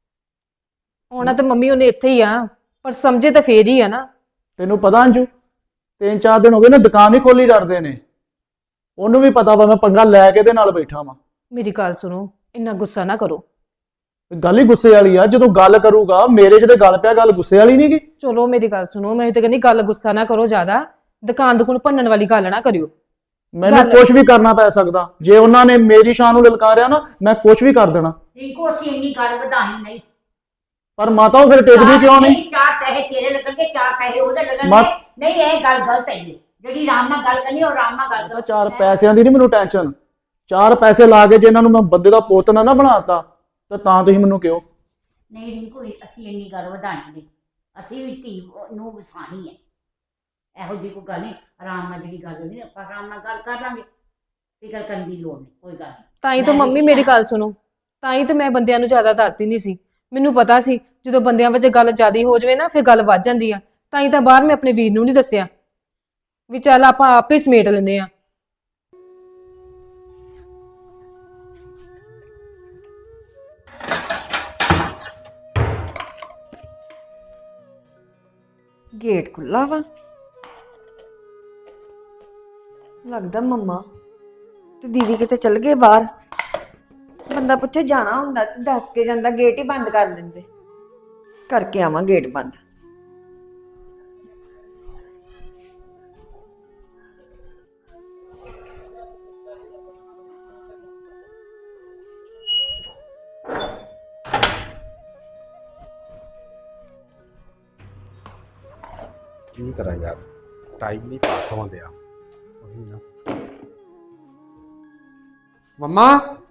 S3: ਆਉਣਾ ਤੇ ਮੰਮੀ ਉਹਨੇ ਇੱਥੇ ਹੀ ਆ, ਪਰ ਸਮਝੇ ਤਾਂ ਫੇਰ ਹੀ ਆ ਨਾ।
S1: ਤੈਨੂੰ ਪਤਾ ਅੰਜੂ, 3-4 ਦਿਨ ਹੋ ਗਏ ਨਾ ਦੁਕਾਨ ਹੀ ਖੋਲੀ ਡਰਦੇ ਨੇ। ਉਹਨੂੰ ਵੀ ਪਤਾ ਵਾ ਮੈਂ ਪੰਗਾ ਲੈ ਕੇ ਇਹਦੇ ਨਾਲ ਬੈਠਾ ਵਾਂ।
S3: ਮੇਰੀ ਗੱਲ ਸੁਣੋ, ਇੰਨਾ ਗੁੱਸਾ ਨਾ ਕਰੋ।
S1: ਗੱਲ ਹੀ ਗੁੱਸੇ ਵਾਲੀ ਆ। ਜਦੋਂ ਗੱਲ ਕਰੂਗਾ ਮੇਰੇ 'ਚ ਤੇ ਗੱਲ ਪਿਆ, ਗੱਲ ਗੁੱਸੇ ਵਾਲੀ ਨਹੀਂ ਗੀ।
S3: ਚਲੋ ਮੇਰੀ ਗੱਲ ਸੁਣੋ, ਮੈਂ ਤਾਂ ਕਹਿੰਦੀ ਗੱਲ ਗੁੱਸਾ ਨਾ ਕਰੋ ਜ਼ਿਆਦਾ। ਦੁਕਾਨ ਭੰਨਣ ਵਾਲੀ ਗੱਲ ਨਾ ਕਰਿਓ।
S1: ਮੈਨੂੰ ਕੁਝ ਵੀ ਕਰਨਾ ਪੈ ਸਕਦਾ। ਜੇ ਉਹਨਾਂ ਨੇ ਮੇਰੀ ਸ਼ਾਨ ਨੂੰ ਲਲਕਾਰਿਆ ਨਾ, ਮੈਂ ਕੁਝ ਵੀ ਕਰ ਦੇਣਾ।
S2: ਰਿੰਕੂ ਅਸੀਂ ਇੰਨੀ ਗੱਲ ਵਧਾਣੀ ਨਹੀਂ।
S1: ਪਰ ਮਾਤਾ ਉਹ ਫਿਰ ਟਿਕਦੀ ਕਿਉਂ ਨਹੀਂ?
S2: 4 ਪੈਸੇ ਤੇਰੇ ਲੱਗਣਗੇ, 4 ਪੈਸੇ ਉਹਦੇ ਲੱਗਣਗੇ। ਨਹੀਂ ਇਹ ਗੱਲ ਗਲਤ ਹੈ ਜੀ। ਜਿਹੜੀ ਆਰਾਮ ਨਾਲ ਗੱਲ ਕਰਨੀ, ਉਹ ਆਰਾਮ ਨਾਲ ਗੱਲ ਕਰੋ।
S1: 4 ਪੈਸਿਆਂ ਦੀ ਨਹੀਂ ਮੈਨੂੰ ਟੈਨਸ਼ਨ। 4 ਪੈਸੇ ਲਾ ਕੇ ਜੇ ਇਹਨਾਂ ਨੂੰ ਮੈਂ ਬੰਦੇ ਦਾ ਪੁੱਤ ਨਾ ਬਣਾਤਾ ਤਾਂ ਤੁਸੀਂ ਮੈਨੂੰ ਕਿਉਂ?
S2: ਨਹੀਂ ਰਿੰਕੂ, ਅਸੀਂ ਇੰਨੀ ਗੱਲ ਵਧਾਣੀ ਨਹੀਂ। ਅਸੀਂ ਵੀ ਧੀ ਨੂੰ ਵਸਾਣੀ ਹੈ। ਇਹੋ ਜਿਹੀ ਕੋਈ ਗੱਲ ਨਹੀਂ। ਆਰਾਮ ਨਾਲ ਜਿਹੜੀ ਗੱਲ ਹੋਣੀ, ਆਪਾਂ ਆਰਾਮ ਨਾਲ ਗੱਲ ਕਰ ਲਾਂਗੇ। ਫਿਕਰ ਕਰਨ ਦੀ ਲੋੜ ਨਹੀਂ, ਕੋਈ ਗੱਲ ਨਹੀਂ।
S3: ਤਾਂ ਹੀ ਤਾਂ ਮੰਮੀ ਮੇਰੀ ਗੱਲ ਸੁਣੋ, ਤਾਂ ਹੀ ਤਾਂ ਮੈਂ ਬੰਦਿਆਂ ਨੂੰ ਜ਼ਿਆਦਾ ਦੱਸਦੀ ਨਹੀਂ ਸੀ। ਮੈਨੂੰ ਪਤਾ ਸੀ ਜਦੋਂ ਬੰਦਿਆਂ ਵਿੱਚ ਗੱਲ ਜ਼ਿਆਦਾ ਹੋ ਜਾਵੇ ਨਾ, ਫਿਰ ਗੱਲ ਵੱਧ ਜਾਂਦੀ ਆ। ਤਾਂ ਹੀ ਤਾਂ ਬਾਹਰ ਮੈਂ ਆਪਣੇ ਵੀਰ ਨੂੰ ਨਹੀਂ ਦੱਸਿਆ ਵੀ ਚੱਲ ਆਪਾਂ ਆਪੇ ਸਮੇਟ ਲੈਂਦੇ ਆ।
S4: ਗੇਟ ਖੁੱਲਾ ਵਾ, ਲੱਗਦਾ ਮੰਮਾ ਤੇ ਦੀਦੀ ਕਿਤੇ ਚਲ ਗਏ ਬਾਹਰ। ਬੰਦਾ ਪੁੱਛੇ ਜਾਣਾ ਹੁੰਦਾ ਤੇ ਦੱਸ ਕੇ ਜਾਂਦਾ, ਗੇਟ ਹੀ ਬੰਦ ਕਰ ਦਿੰਦੇ। ਕਰਕੇ ਆਵਾਂ ਗੇਟ ਬੰਦ।
S5: ਕੀ ਕਰਾਂ ਯਾਰ, ਟਾਈਮ ਨਹੀਂ ਪਾਸ ਹੋਣ ਦਿਆ। ਉਹੀ ਨਾ ਮੰਮਾ,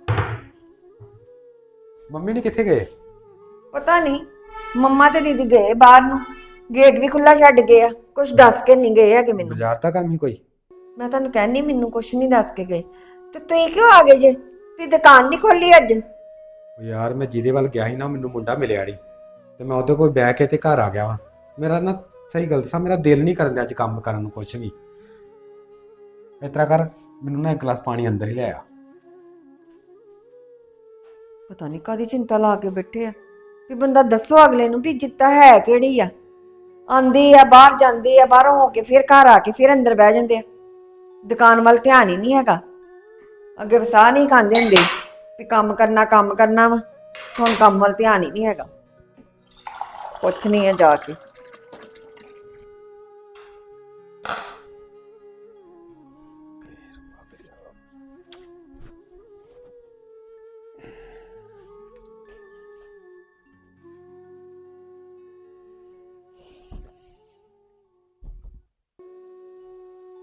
S5: ਮੰਮੀ ਨੇ ਕਿੱਥੇ ਗਏ?
S4: ਪਤਾ ਨਹੀਂ, ਮੰਮਾ ਤੇ ਦੀਦੀ ਗਏ ਬਾਹਰ ਨੂੰ, ਗੇਟ ਵੀ ਖੁੱਲਾ ਛੱਡ ਗਏ ਆ। ਕੁਝ ਦੱਸ ਕੇ ਨਹੀਂ ਗਏ ਹੈਗੇ ਮੈਨੂੰ।
S5: ਬਾਜ਼ਾਰ ਦਾ ਕੰਮ ਹੀ ਕੋਈ?
S4: ਮੈਂ ਤੁਹਾਨੂੰ ਕਹਿੰਨੀ, ਮੈਨੂੰ ਕੁਝ ਨਹੀਂ ਦੱਸ ਕੇ ਗਏ। ਤੇ ਤੁਸੀਂ ਕਿਉਂ ਆ ਗਏ ਜੇ? ਤੁਸੀਂ ਦੁਕਾਨ ਨਹੀਂ ਖੋਲੀ ਅੱਜ?
S5: ਉਹ ਯਾਰ ਮੈਂ ਜਿਹਦੇ ਵੱਲ ਗਿਆ ਸੀ ਨਾ, ਮੈਨੂੰ ਮੁੰਡਾ ਮਿਲਿਆ ਨਹੀਂ ਤੇ ਮੈਂ ਉਹਦੇ ਕੋਲ ਬਹਿ ਕੇ ਤੇ ਘਰ ਆ ਗਿਆ ਵਾਂ। ਮੇਰਾ ਨਾ ਸਹੀ ਗੱਲ ਦੱਸਾਂ, ਮੇਰਾ ਦਿਲ ਨਹੀਂ ਕਰਨ ਦਿਆ ਅੱਜ ਕੰਮ ਕਰਨ ਨੂੰ ਕੁਝ ਵੀ। ਇਸ ਤਰ੍ਹਾਂ ਕਰ, ਮੈਨੂੰ ਨਾ 1 ਗਲਾਸ ਪਾਣੀ ਅੰਦਰ ਹੀ ਲੈ ਆ।
S4: ਪਤਾ ਨਹੀਂ ਕਾਹਦੀ ਚਿੰਤਾ ਲਾ ਕੇ ਬੈਠੇ ਆ ਵੀ ਬੰਦਾ ਦੱਸੋ ਅਗਲੇ ਨੂੰ ਵੀ ਜਿੱਤਾ ਹੈ ਕਿਹੜੀ ਆ। ਆਂਦੀ ਆ ਬਾਹਰ, ਜਾਂਦੀ ਆ ਬਾਹਰੋਂ ਹੋ ਕੇ, ਫਿਰ ਘਰ ਆ ਕੇ ਫਿਰ ਅੰਦਰ ਬਹਿ ਜਾਂਦੇ ਆ। ਦੁਕਾਨ ਵੱਲ ਧਿਆਨ ਹੀ ਨਹੀਂ ਹੈਗਾ। ਅੱਗੇ ਵਸਾਹ ਨਹੀਂ ਖਾਂਦੇ ਹੁੰਦੇ ਵੀ ਕੰਮ ਕਰਨਾ ਵਾ। ਹੁਣ ਕੰਮ ਵੱਲ ਧਿਆਨ ਹੀ ਨਹੀਂ ਹੈਗਾ। ਕੁਛ ਨਹੀਂ ਆ ਜਾ ਕੇ।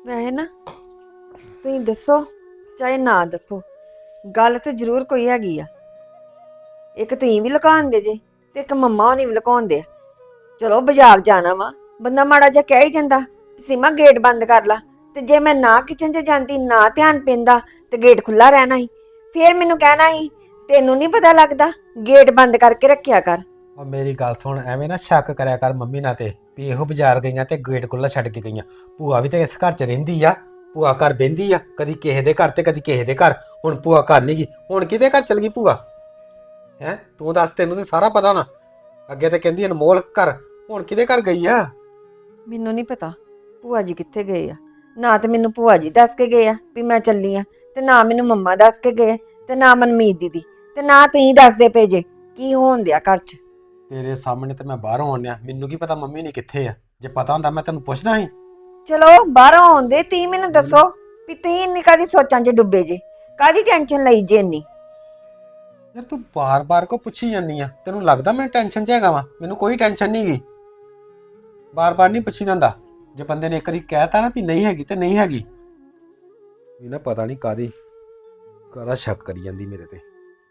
S4: ਵੈਸੇ ਨਾ ਤੁਸੀਂ ਦੱਸੋ ਚਾਹੇ ਨਾ ਦੱਸੋ, ਗੱਲ ਤੇ ਜ਼ਰੂਰ ਕੋਈ ਹੈਗੀ ਆ। ਇੱਕ ਤੁਸੀਂ ਵੀ ਲੁਕਾਉਂਦੇ ਜੇ ਤੇ ਇੱਕ ਮੰਮਾ ਹੋਣੀ ਵੀ ਲੁਕਾਉਂਦੇ ਆ। ਚਲੋ ਬਾਜ਼ਾਰ ਜਾਣਾ ਵਾ, ਬੰਦਾ ਮਾੜਾ ਜਿਹਾ ਕਹਿ ਹੀ ਜਾਂਦਾ ਸੀਮਾ ਗੇਟ ਬੰਦ ਕਰ ਲਾ, ਤੇ ਜੇ ਮੈਂ ਨਾ ਕਿਚਨ 'ਚ ਜਾਂਦੀ ਨਾ ਧਿਆਨ ਪੈਂਦਾ ਤੇ ਗੇਟ ਖੁੱਲਾ ਰਹਿਣਾ ਸੀ। ਫੇਰ ਮੈਨੂੰ ਕਹਿਣਾ ਸੀ ਤੈਨੂੰ ਨਹੀਂ ਪਤਾ ਲੱਗਦਾ, ਗੇਟ ਬੰਦ ਕਰਕੇ ਰੱਖਿਆ ਕਰ।
S5: ਉਹ ਮੇਰੀ ਗੱਲ ਸੁਣ, ਐਵੇਂ ਨਾ ਸ਼ੱਕ ਕਰਿਆ ਕਰ ਮੰਮੀ ਨਾਲ ਤੇ ਵੀ ਇਹੋ ਬਾਜ਼ਾਰ ਗਈਆਂ ਤੇ ਗੇਟ ਖੁੱਲਾ ਛੱਡ ਕੇ ਗਈਆਂ। ਭੂਆ ਵੀ ਤੇ ਇਸ ਘਰ 'ਚ ਰਹਿੰਦੀ ਆ, ਭੂਆ ਘਰ ਬਹਿੰਦੀ ਆ, ਕਦੀ ਕਿਸੇ ਦੇ ਘਰ ਤੇ ਕਦੀ ਕਿਸੇ ਦੇ ਘਰ। ਹੁਣ ਭੂਆ ਘਰ ਨਹੀਂ ਗਈ, ਹੁਣ ਕਿਹਦੇ ਘਰ ਚਲ ਗਈ ਭੂਆ? ਹੈ ਤੂੰ ਦੱਸ, ਤੈਨੂੰ ਤੇ ਸਾਰਾ ਪਤਾ ਨਾ। ਅੱਗੇ ਤੇ ਕਹਿੰਦੀ ਅਨਮੋਲ ਘਰ, ਹੁਣ ਕਿਹਦੇ ਘਰ ਗਈ ਆ?
S4: ਮੈਨੂੰ ਨਹੀਂ ਪਤਾ ਭੂਆ ਜੀ ਕਿੱਥੇ ਗਏ ਆ। ਨਾ ਤੇ ਮੈਨੂੰ ਭੂਆ ਜੀ ਦੱਸ ਕੇ ਗਏ ਆ ਵੀ ਮੈਂ ਚੱਲੀ ਆ, ਤੇ ਨਾ ਮੈਨੂੰ ਮੰਮਾ ਦੱਸ ਕੇ ਗਏ, ਤੇ ਨਾ ਮਨਮੀਤ ਦੀਦੀ, ਤੇ ਨਾ ਤੁਸੀਂ ਦੱਸਦੇ ਪਏ ਜੇ ਕੀ ਹੋਣ ਦਿਆ ਘਰ 'ਚ।
S5: ਤੇਰੇ ਸਾਹਮਣੇ ਤੇ ਮੈਂ ਬਾਹਰੋਂ ਆਉਣਿਆ, ਮੈਨੂੰ ਕੀ ਪਤਾ ਮੰਮੀ ਨੇ ਕਿੱਥੇ ਆ। ਜੇ ਪਤਾ ਹੁੰਦਾ ਮੈਂ ਤੈਨੂੰ ਪੁੱਛਦਾ ਸੀ।
S4: ਚਲੋ ਬਾਹਰੋਂ ਆਉਂਦੇ ਤੁਸੀਂ ਮੈਨੂੰ ਦੱਸੋ ਵੀ ਤੁਸੀਂ ਇੰਨੀ ਕਾਹਦੀ ਸੋਚਾਂ 'ਚ ਡੁੱਬੇ ਜੇ, ਕਾਹਦੀ ਟੈਨਸ਼ਨ ਲਈ ਜੇ ਇੰਨੀ।
S5: ਯਾਰ ਤੂੰ ਬਾਰ-ਬਾਰ ਕੋ ਪੁੱਛੀ ਜਾਂਦੀ ਆ? ਤੈਨੂੰ ਲੱਗਦਾ ਮੈਂ ਟੈਨਸ਼ਨ 'ਚ ਹੈਗਾ ਵਾਂ? ਮੈਨੂੰ ਕੋਈ ਟੈਨਸ਼ਨ ਨਹੀਂ ਗਈ। ਬਾਰ-ਬਾਰ ਨਹੀਂ ਪੁੱਛੀ ਜਾਂਦਾ। ਜੇ ਬੰਦੇ ਨੇ ਇੱਕ ਵਾਰੀ ਕਹਿਤਾ ਨਾ ਵੀ ਨਹੀਂ ਹੈਗੀ ਤੇ ਨਹੀਂ ਹੈਗੀ, ਇਹ ਨਾ ਪਤਾ ਨਹੀਂ ਕਾਹਦਾ ਸ਼ੱਕ ਕਰੀ ਜਾਂਦੀ ਮੇਰੇ ਤੇ।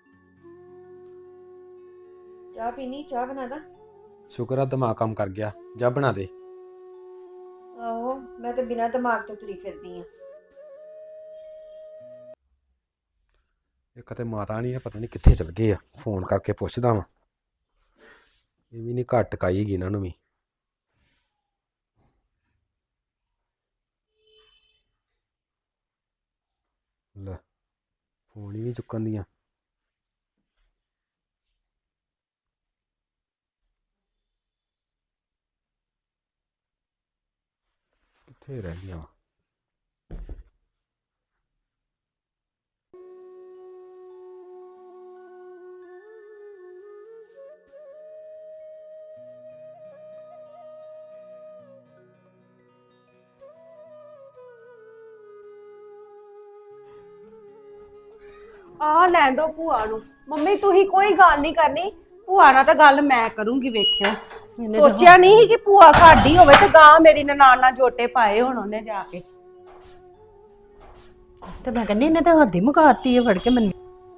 S4: ਚਾਹ ਪੀਣੀ? ਚਾਹ ਬਣਾ ਦਾਂ?
S5: ਸ਼ੁਕਰ ਆ ਦਿਮਾਗ ਕੰਮ ਕਰ ਗਿਆ, ਜਾ ਬਣਾ ਦੇ।
S4: ਆਹੋ ਮੈਂ ਤਾਂ ਬਿਨਾਂ ਦਿਮਾਗ ਤੋਂ ਤੁਰੀ ਫਿਰਦੀ ਆ।
S5: ਇੱਕ ਤੇ ਮਾਤਾ ਨਹੀਂ ਹੈ, ਪਤਾ ਨਹੀਂ ਕਿੱਥੇ ਚਲ ਗਏ ਆ। ਫੋਨ ਕਰਕੇ ਪੁੱਛਦਾ ਵਾਂ। ਇਹ ਵੀ ਨਹੀਂ ਘੱਟ ਕਾਈਗੀ ਇਹਨਾਂ ਨੂੰ ਵੀ। ਲੈ ਫੋਨ ਹੀ ਨਹੀਂ ਚੁੱਕਣ ਦੀਆਂ। ਕਿੱਥੇ ਰਹਿ ਗਈਆਂ?
S6: ਆ ਲੈਣ ਦੋ ਭੂਆ ਨੂੰ। ਮੰਮੀ ਤੁਸੀਂ ਕੋਈ ਗੱਲ ਨਹੀਂ ਕਰਨੀ, ਭੂਆ ਨਾਲ ਤਾਂ ਗੱਲ ਮੈਂ ਕਰੂੰਗੀ। ਵੇਖਿਓ ਸੋਚਿਆ ਨਹੀਂ ਸੀ ਕਿ ਭੂਆ ਸਾਡੀ ਹੋਵੇ ਤੇ ਗਾਂ ਮੇਰੀ ਨਨਾਣ ਨਾਲ ਜੋਟੇ ਪਾਏ ਹੁਣ ਉਹਨੇ ਜਾ ਕੇ। ਤੇ ਮੈਂ ਕਹਿੰਦੀ ਇਹਨੇ ਤਾਂ ਹੱਦੀ ਮੁਕਾਤੀ ਹੈ ਫੜ ਕੇ ਮੈਨੂੰ।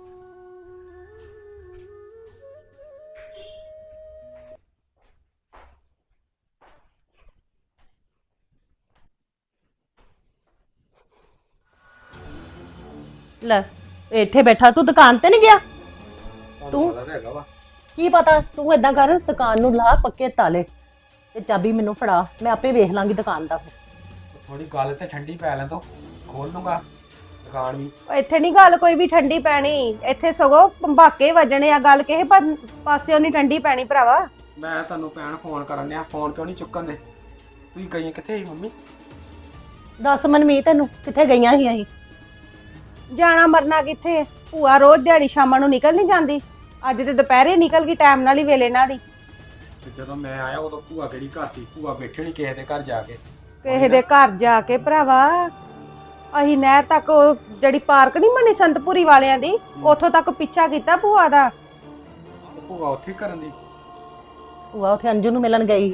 S6: ਲੈ ਇੱਥੇ ਬੈਠਾ, ਤੂੰ ਦੁਕਾਨ ਤੇ ਨਹੀਂ ਗਿਆ? ਤੂੰ
S5: ਹੈਗਾ ਵਾ।
S6: ਕੀ ਪਤਾ, ਤੂੰ ਏਦਾਂ ਕਰ ਦੁਕਾਨ ਨੂੰ ਲਾ ਪੱਕੇ ਤਾਲੇ ਤੇ ਚਾਬੀ ਮੈਨੂੰ ਫੜਾ, ਮੈਂ ਆਪੇ ਵੇਖ ਲਾਂਗੀ ਦੁਕਾਨ ਦਾ।
S5: ਥੋੜੀ ਗੱਲ ਤੇ ਠੰਡੀ ਪੈ ਲੈਣ ਦੋ, ਖੋਲ ਲੂੰਗਾ ਦੁਕਾਨ ਵੀ।
S6: ਇੱਥੇ ਨਹੀਂ ਗੱਲ ਕੋਈ ਵੀ ਠੰਡੀ ਪੈਣੀ, ਇੱਥੇ ਸਗੋਂ ਭੰਬਾਕੇ ਵੱਜਣੇ ਆ। ਗੱਲ ਕਿਸੇ ਪਾਸਿਓਂ ਨਹੀਂ ਠੰਡੀ ਪੈਣੀ ਭਰਾਵਾ।
S5: ਮੈਂ ਤੁਹਾਨੂੰ ਭੈਣ ਫੋਨ ਕਰਨ ਡਿਆ, ਫੋਨ ਕਿਉਂ ਨਹੀਂ ਚੁੱਕਣ ਦੇ? ਤੁਸੀਂ ਗਈਆਂ ਕਿੱਥੇ ਸੀ ਮੰਮੀ?
S6: ਦੱਸ ਮਨਮੀਤ, ਤੈਨੂੰ ਕਿੱਥੇ ਗਈਆਂ ਸੀ ਅਸੀਂ? ਜਾਣਾ ਮਰਨਾ ਕਿੱਥੇ, ਭੂਆ ਰੋਜ਼ ਦਿਹਾੜੀ ਸ਼ਾਮਾਂ ਨੂੰ ਨਿਕਲ ਨਹੀਂ ਜਾਂਦੀ। ਅੱਜ ਤੇ ਦੁਪਹਿਰੇ ਨਿਕਲ ਗਈ ਟਾਈਮ ਨਾਲ ਹੀ ਵੇਲੇ ਨਾਲ ਹੀ।
S5: ਤੇ ਜਦੋਂ ਮੈਂ ਆਇਆ ਉਦੋਂ ਭੂਆ ਕਿਹੜੀ ਘਰ ਸੀ? ਭੂਆ ਬੈਠੀ ਨਹੀਂ ਕਿਸੇ ਦੇ ਘਰ ਜਾ ਕੇ।
S6: ਕਿਸੇ ਦੇ ਘਰ ਜਾ ਕੇ ਭਰਾਵਾ, ਅਸੀਂ ਨਹਿਰ ਤੱਕ ਉਹ ਜਿਹੜੀ ਪਾਰਕ ਨਹੀਂ ਬਣੀ ਸੰਤਪੁਰੀ ਵਾਲਿਆਂ ਦੀ, ਉੱਥੋਂ ਤੱਕ ਪਿੱਛਾ ਕੀਤਾ ਭੂਆ ਦਾ।
S5: ਤੇ ਭੂਆ ਉੱਥੇ ਕਰਨ ਦੀ?
S6: ਭੂਆ ਉੱਥੇ ਅੰਜੂ ਨੂੰ ਮਿਲਣ ਗਈ।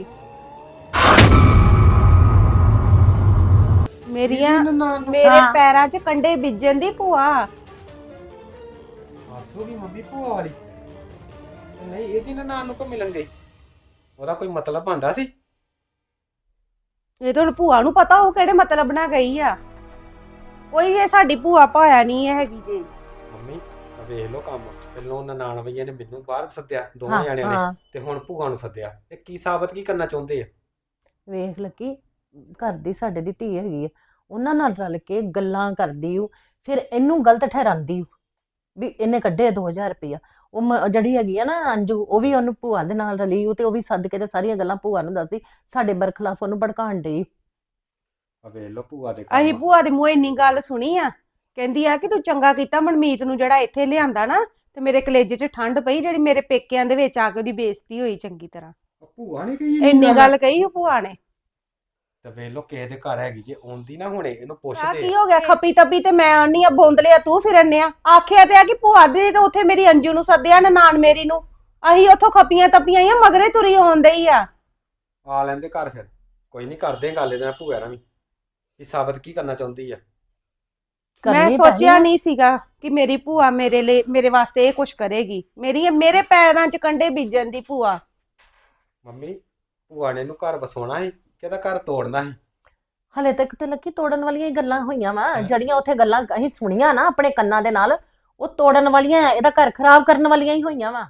S6: ਮੇਰੇ ਪੈਰਾਂ 'ਚ ਕੰਡੇ ਬੀਜਣ ਦੀ ਭੂਆ।
S5: ਆਖੋਗੀ ਮੰਮੀ ਭੂਆ ਵਾਲੀ? ਨਹੀਂ ਇਹਦੀ ਨਨਾਣ ਨੂੰ ਕੋ ਮਿਲਣ ਗਈ? ਉਹਦਾ ਕੋਈ ਮਤਲਬ ਆਂਦਾ ਸੀ?
S6: ਇਹ ਤਾਂ ਹੁਣ ਭੂਆ ਨੂੰ ਪਤਾ ਉਹ ਕਿਹੜੇ ਮਤਲਬ ਨਾਲ ਗਈ ਆ। ਕੋਈ ਇਹ ਸਾਡੀ ਭੂਆ ਭਾਇਆ ਨਹੀਂ ਹੈਗੀ ਜੀ।
S5: ਮੰਮੀ ਵੇਖ ਲਓ ਕੰਮ, ਪਹਿਲੋਂ ਨਨਾਣ ਵਈਆਂ ਨੇ ਮੈਨੂੰ ਬਾਹਰ ਸੱਦਿਆ ਦੋਵਾਂ ਜਾਣਿਆਂ ਨੇ, ਤੇ ਹੁਣ ਭੂਆ ਨੂੰ ਸੱਦਿਆ। ਇਹ ਕੀ ਸਾਬਤ ਕੀ ਕਰਨਾ ਚਾਹੁੰਦੇ ਆ?
S6: ਵੇਖ ਲੱਕੀ, ਘਰ ਦੀ ਸਾਡੇ ਦੀ ਧੀ ਹੈਗੀ ਆ, ਉਹਨਾਂ ਨਾਲ ਰਲ ਕੇ ਗੱਲਾਂ ਕਰਦੀ ਓ, ਫਿਰ ਇਹਨੂੰ ਗਲਤ ਠਹਿਰਾਂਦੀ ਓ ਵੀ ਇਹਨੇ ਕੱਢੇ 2000 ਰੁਪਇਆ। ਉਹ ਜਿਹੜੀ ਹੈਗੀ ਆ ਨਾ ਅੰਜੂ, ਉਹ ਵੀ ਉਹਨੂੰ ਭੂਆ ਦੇ ਨਾਲ ਰਲੀ ਓ, ਤੇ ਉਹ ਵੀ ਸੱਦ ਕੇ ਤੇ ਸਾਰੀਆਂ ਗੱਲਾਂ ਭੂਆ ਨੂੰ ਦੱਸਦੀ, ਸਾਡੇ ਬਰਖਲਾਫ ਉਹਨੂੰ ਭੜਕਾਉਣ ਡਈ।
S5: ਆ ਵੇਖ ਲਓ ਭੂਆ ਦੇ
S6: ਅਸੀਂ
S5: ਕੰਮ।
S6: ਭੂਆ ਦੇ ਮੂੰਹ ਇੰਨੀ ਗੱਲ ਸੁਣੀ ਆ, ਕਹਿੰਦੀ ਆ ਕਿ ਤੂੰ ਚੰਗਾ ਕੀਤਾ ਮਨਮੀਤ ਨੂੰ ਜਿਹੜਾ ਇੱਥੇ ਲਿਆਂਦਾ ਨਾ, ਤੇ ਮੇਰੇ ਕਲੇਜੇ 'ਚ ਠੰਡ ਪਈ ਜਿਹੜੀ ਮੇਰੇ ਪੇਕਿਆਂ ਦੇ ਵਿੱਚ ਆ ਕੇ ਉਹਦੀ ਬੇਇੱਜ਼ਤੀ ਹੋਈ ਚੰਗੀ ਤਰ੍ਹਾਂ।
S5: ਭੂਆ ਨੇ ਕਹੀ
S6: ਇੰਨੀ ਗੱਲ ਕਹੀ ਉਹ ਭੂਆ ਨੇ।
S5: ਤੇ ਵੇਖ ਲਓ ਕਿਸੇ ਦੇ ਘਰ ਹੈਗੀ, ਜੇ ਆਉਂਦੀ ਨਾ ਹੁਣੇ ਇਹਨੂੰ
S6: ਆ
S5: ਪੁੱਛਦੇ।
S6: ਕੀ ਹੋ ਗਿਆ? ਖੱਪੀ ਤੱਪੀ ਤੇ ਮੈਂ ਆਉਣੀ ਆ, ਬੋਂਦਲਿਆ ਤੂੰ ਫਿਰਨੇ ਆ। ਆਖਿਆ ਤੇ ਆ ਕਿ ਭੂਆ ਦੇ ਤੇ ਉੱਥੇ ਮੇਰੀ ਅੰਜੂ ਨੂੰ ਸੱਦਿਆ, ਨਨਾਣ ਮੇਰੀ ਨੂੰ। ਅਸੀਂ ਉੱਥੋਂ ਖੱਪੀਆਂ ਤੱਪੀਆਂ ਆ, ਮਗਰੇ ਤੁਰੀ ਆਉਂਦੇ ਹੀ ਆ।
S5: ਆ ਲੈਂਦੇ ਘਰ, ਫਿਰ ਕੋਈ ਨਹੀਂ ਕਰਦੇ ਗੱਲ ਇਹਦੇ ਨਾਲ ਭੂਆ ਨਾਲ ਵੀ। ਇਹ ਸਾਬਤ ਕੀ ਕਰਨਾ ਚਾਹੁੰਦੀ ਆ?
S7: ਮੈਂ
S6: ਕਰਨੀ
S7: ਸੋਚਿਆ
S6: ਪੈਣੀ
S7: ਨਹੀਂ ਸੀਗਾ ਕਿ ਮੇਰੀ ਭੂਆ ਮੇਰੇ ਲਈ ਮੇਰੇ ਵਾਸਤੇ ਇਹ ਕੁਝ ਕਰੇਗੀ। ਮੇਰੇ ਪੈਰਾਂ 'ਚ ਕੰਡੇ ਬੀਜਣ ਦੀ ਭੂਆ।
S5: ਮੰਮੀ ਭੂਆ ਨੇ ਇਹਨੂੰ ਘਰ ਵਸਾਉਣਾ ਸੀ ਕਿ ਇਹਦਾ ਘਰ ਤੋੜਨਾ ਸੀ?
S6: ਹਲੇ ਤੱਕ ਤੇ ਲੱਕੀ ਤੋੜਨ ਵਾਲੀਆਂ ਹੀ ਗੱਲਾਂ ਹੋਈਆਂ ਵਾ, ਜਿਹੜੀਆਂ ਉੱਥੇ ਗੱਲਾਂ ਅਸੀਂ ਸੁਣੀਆਂ ਨਾ ਆਪਣੇ ਕੰਨਾਂ ਦੇ ਨਾਲ, ਉਹ ਤੋੜਨ ਵਾਲੀਆਂ ਆ, ਇਹਦਾ ਘਰ ਖਰਾਬ ਕਰਨ ਵਾਲੀਆਂ ਹੀ ਹੋਈਆਂ ਵਾ।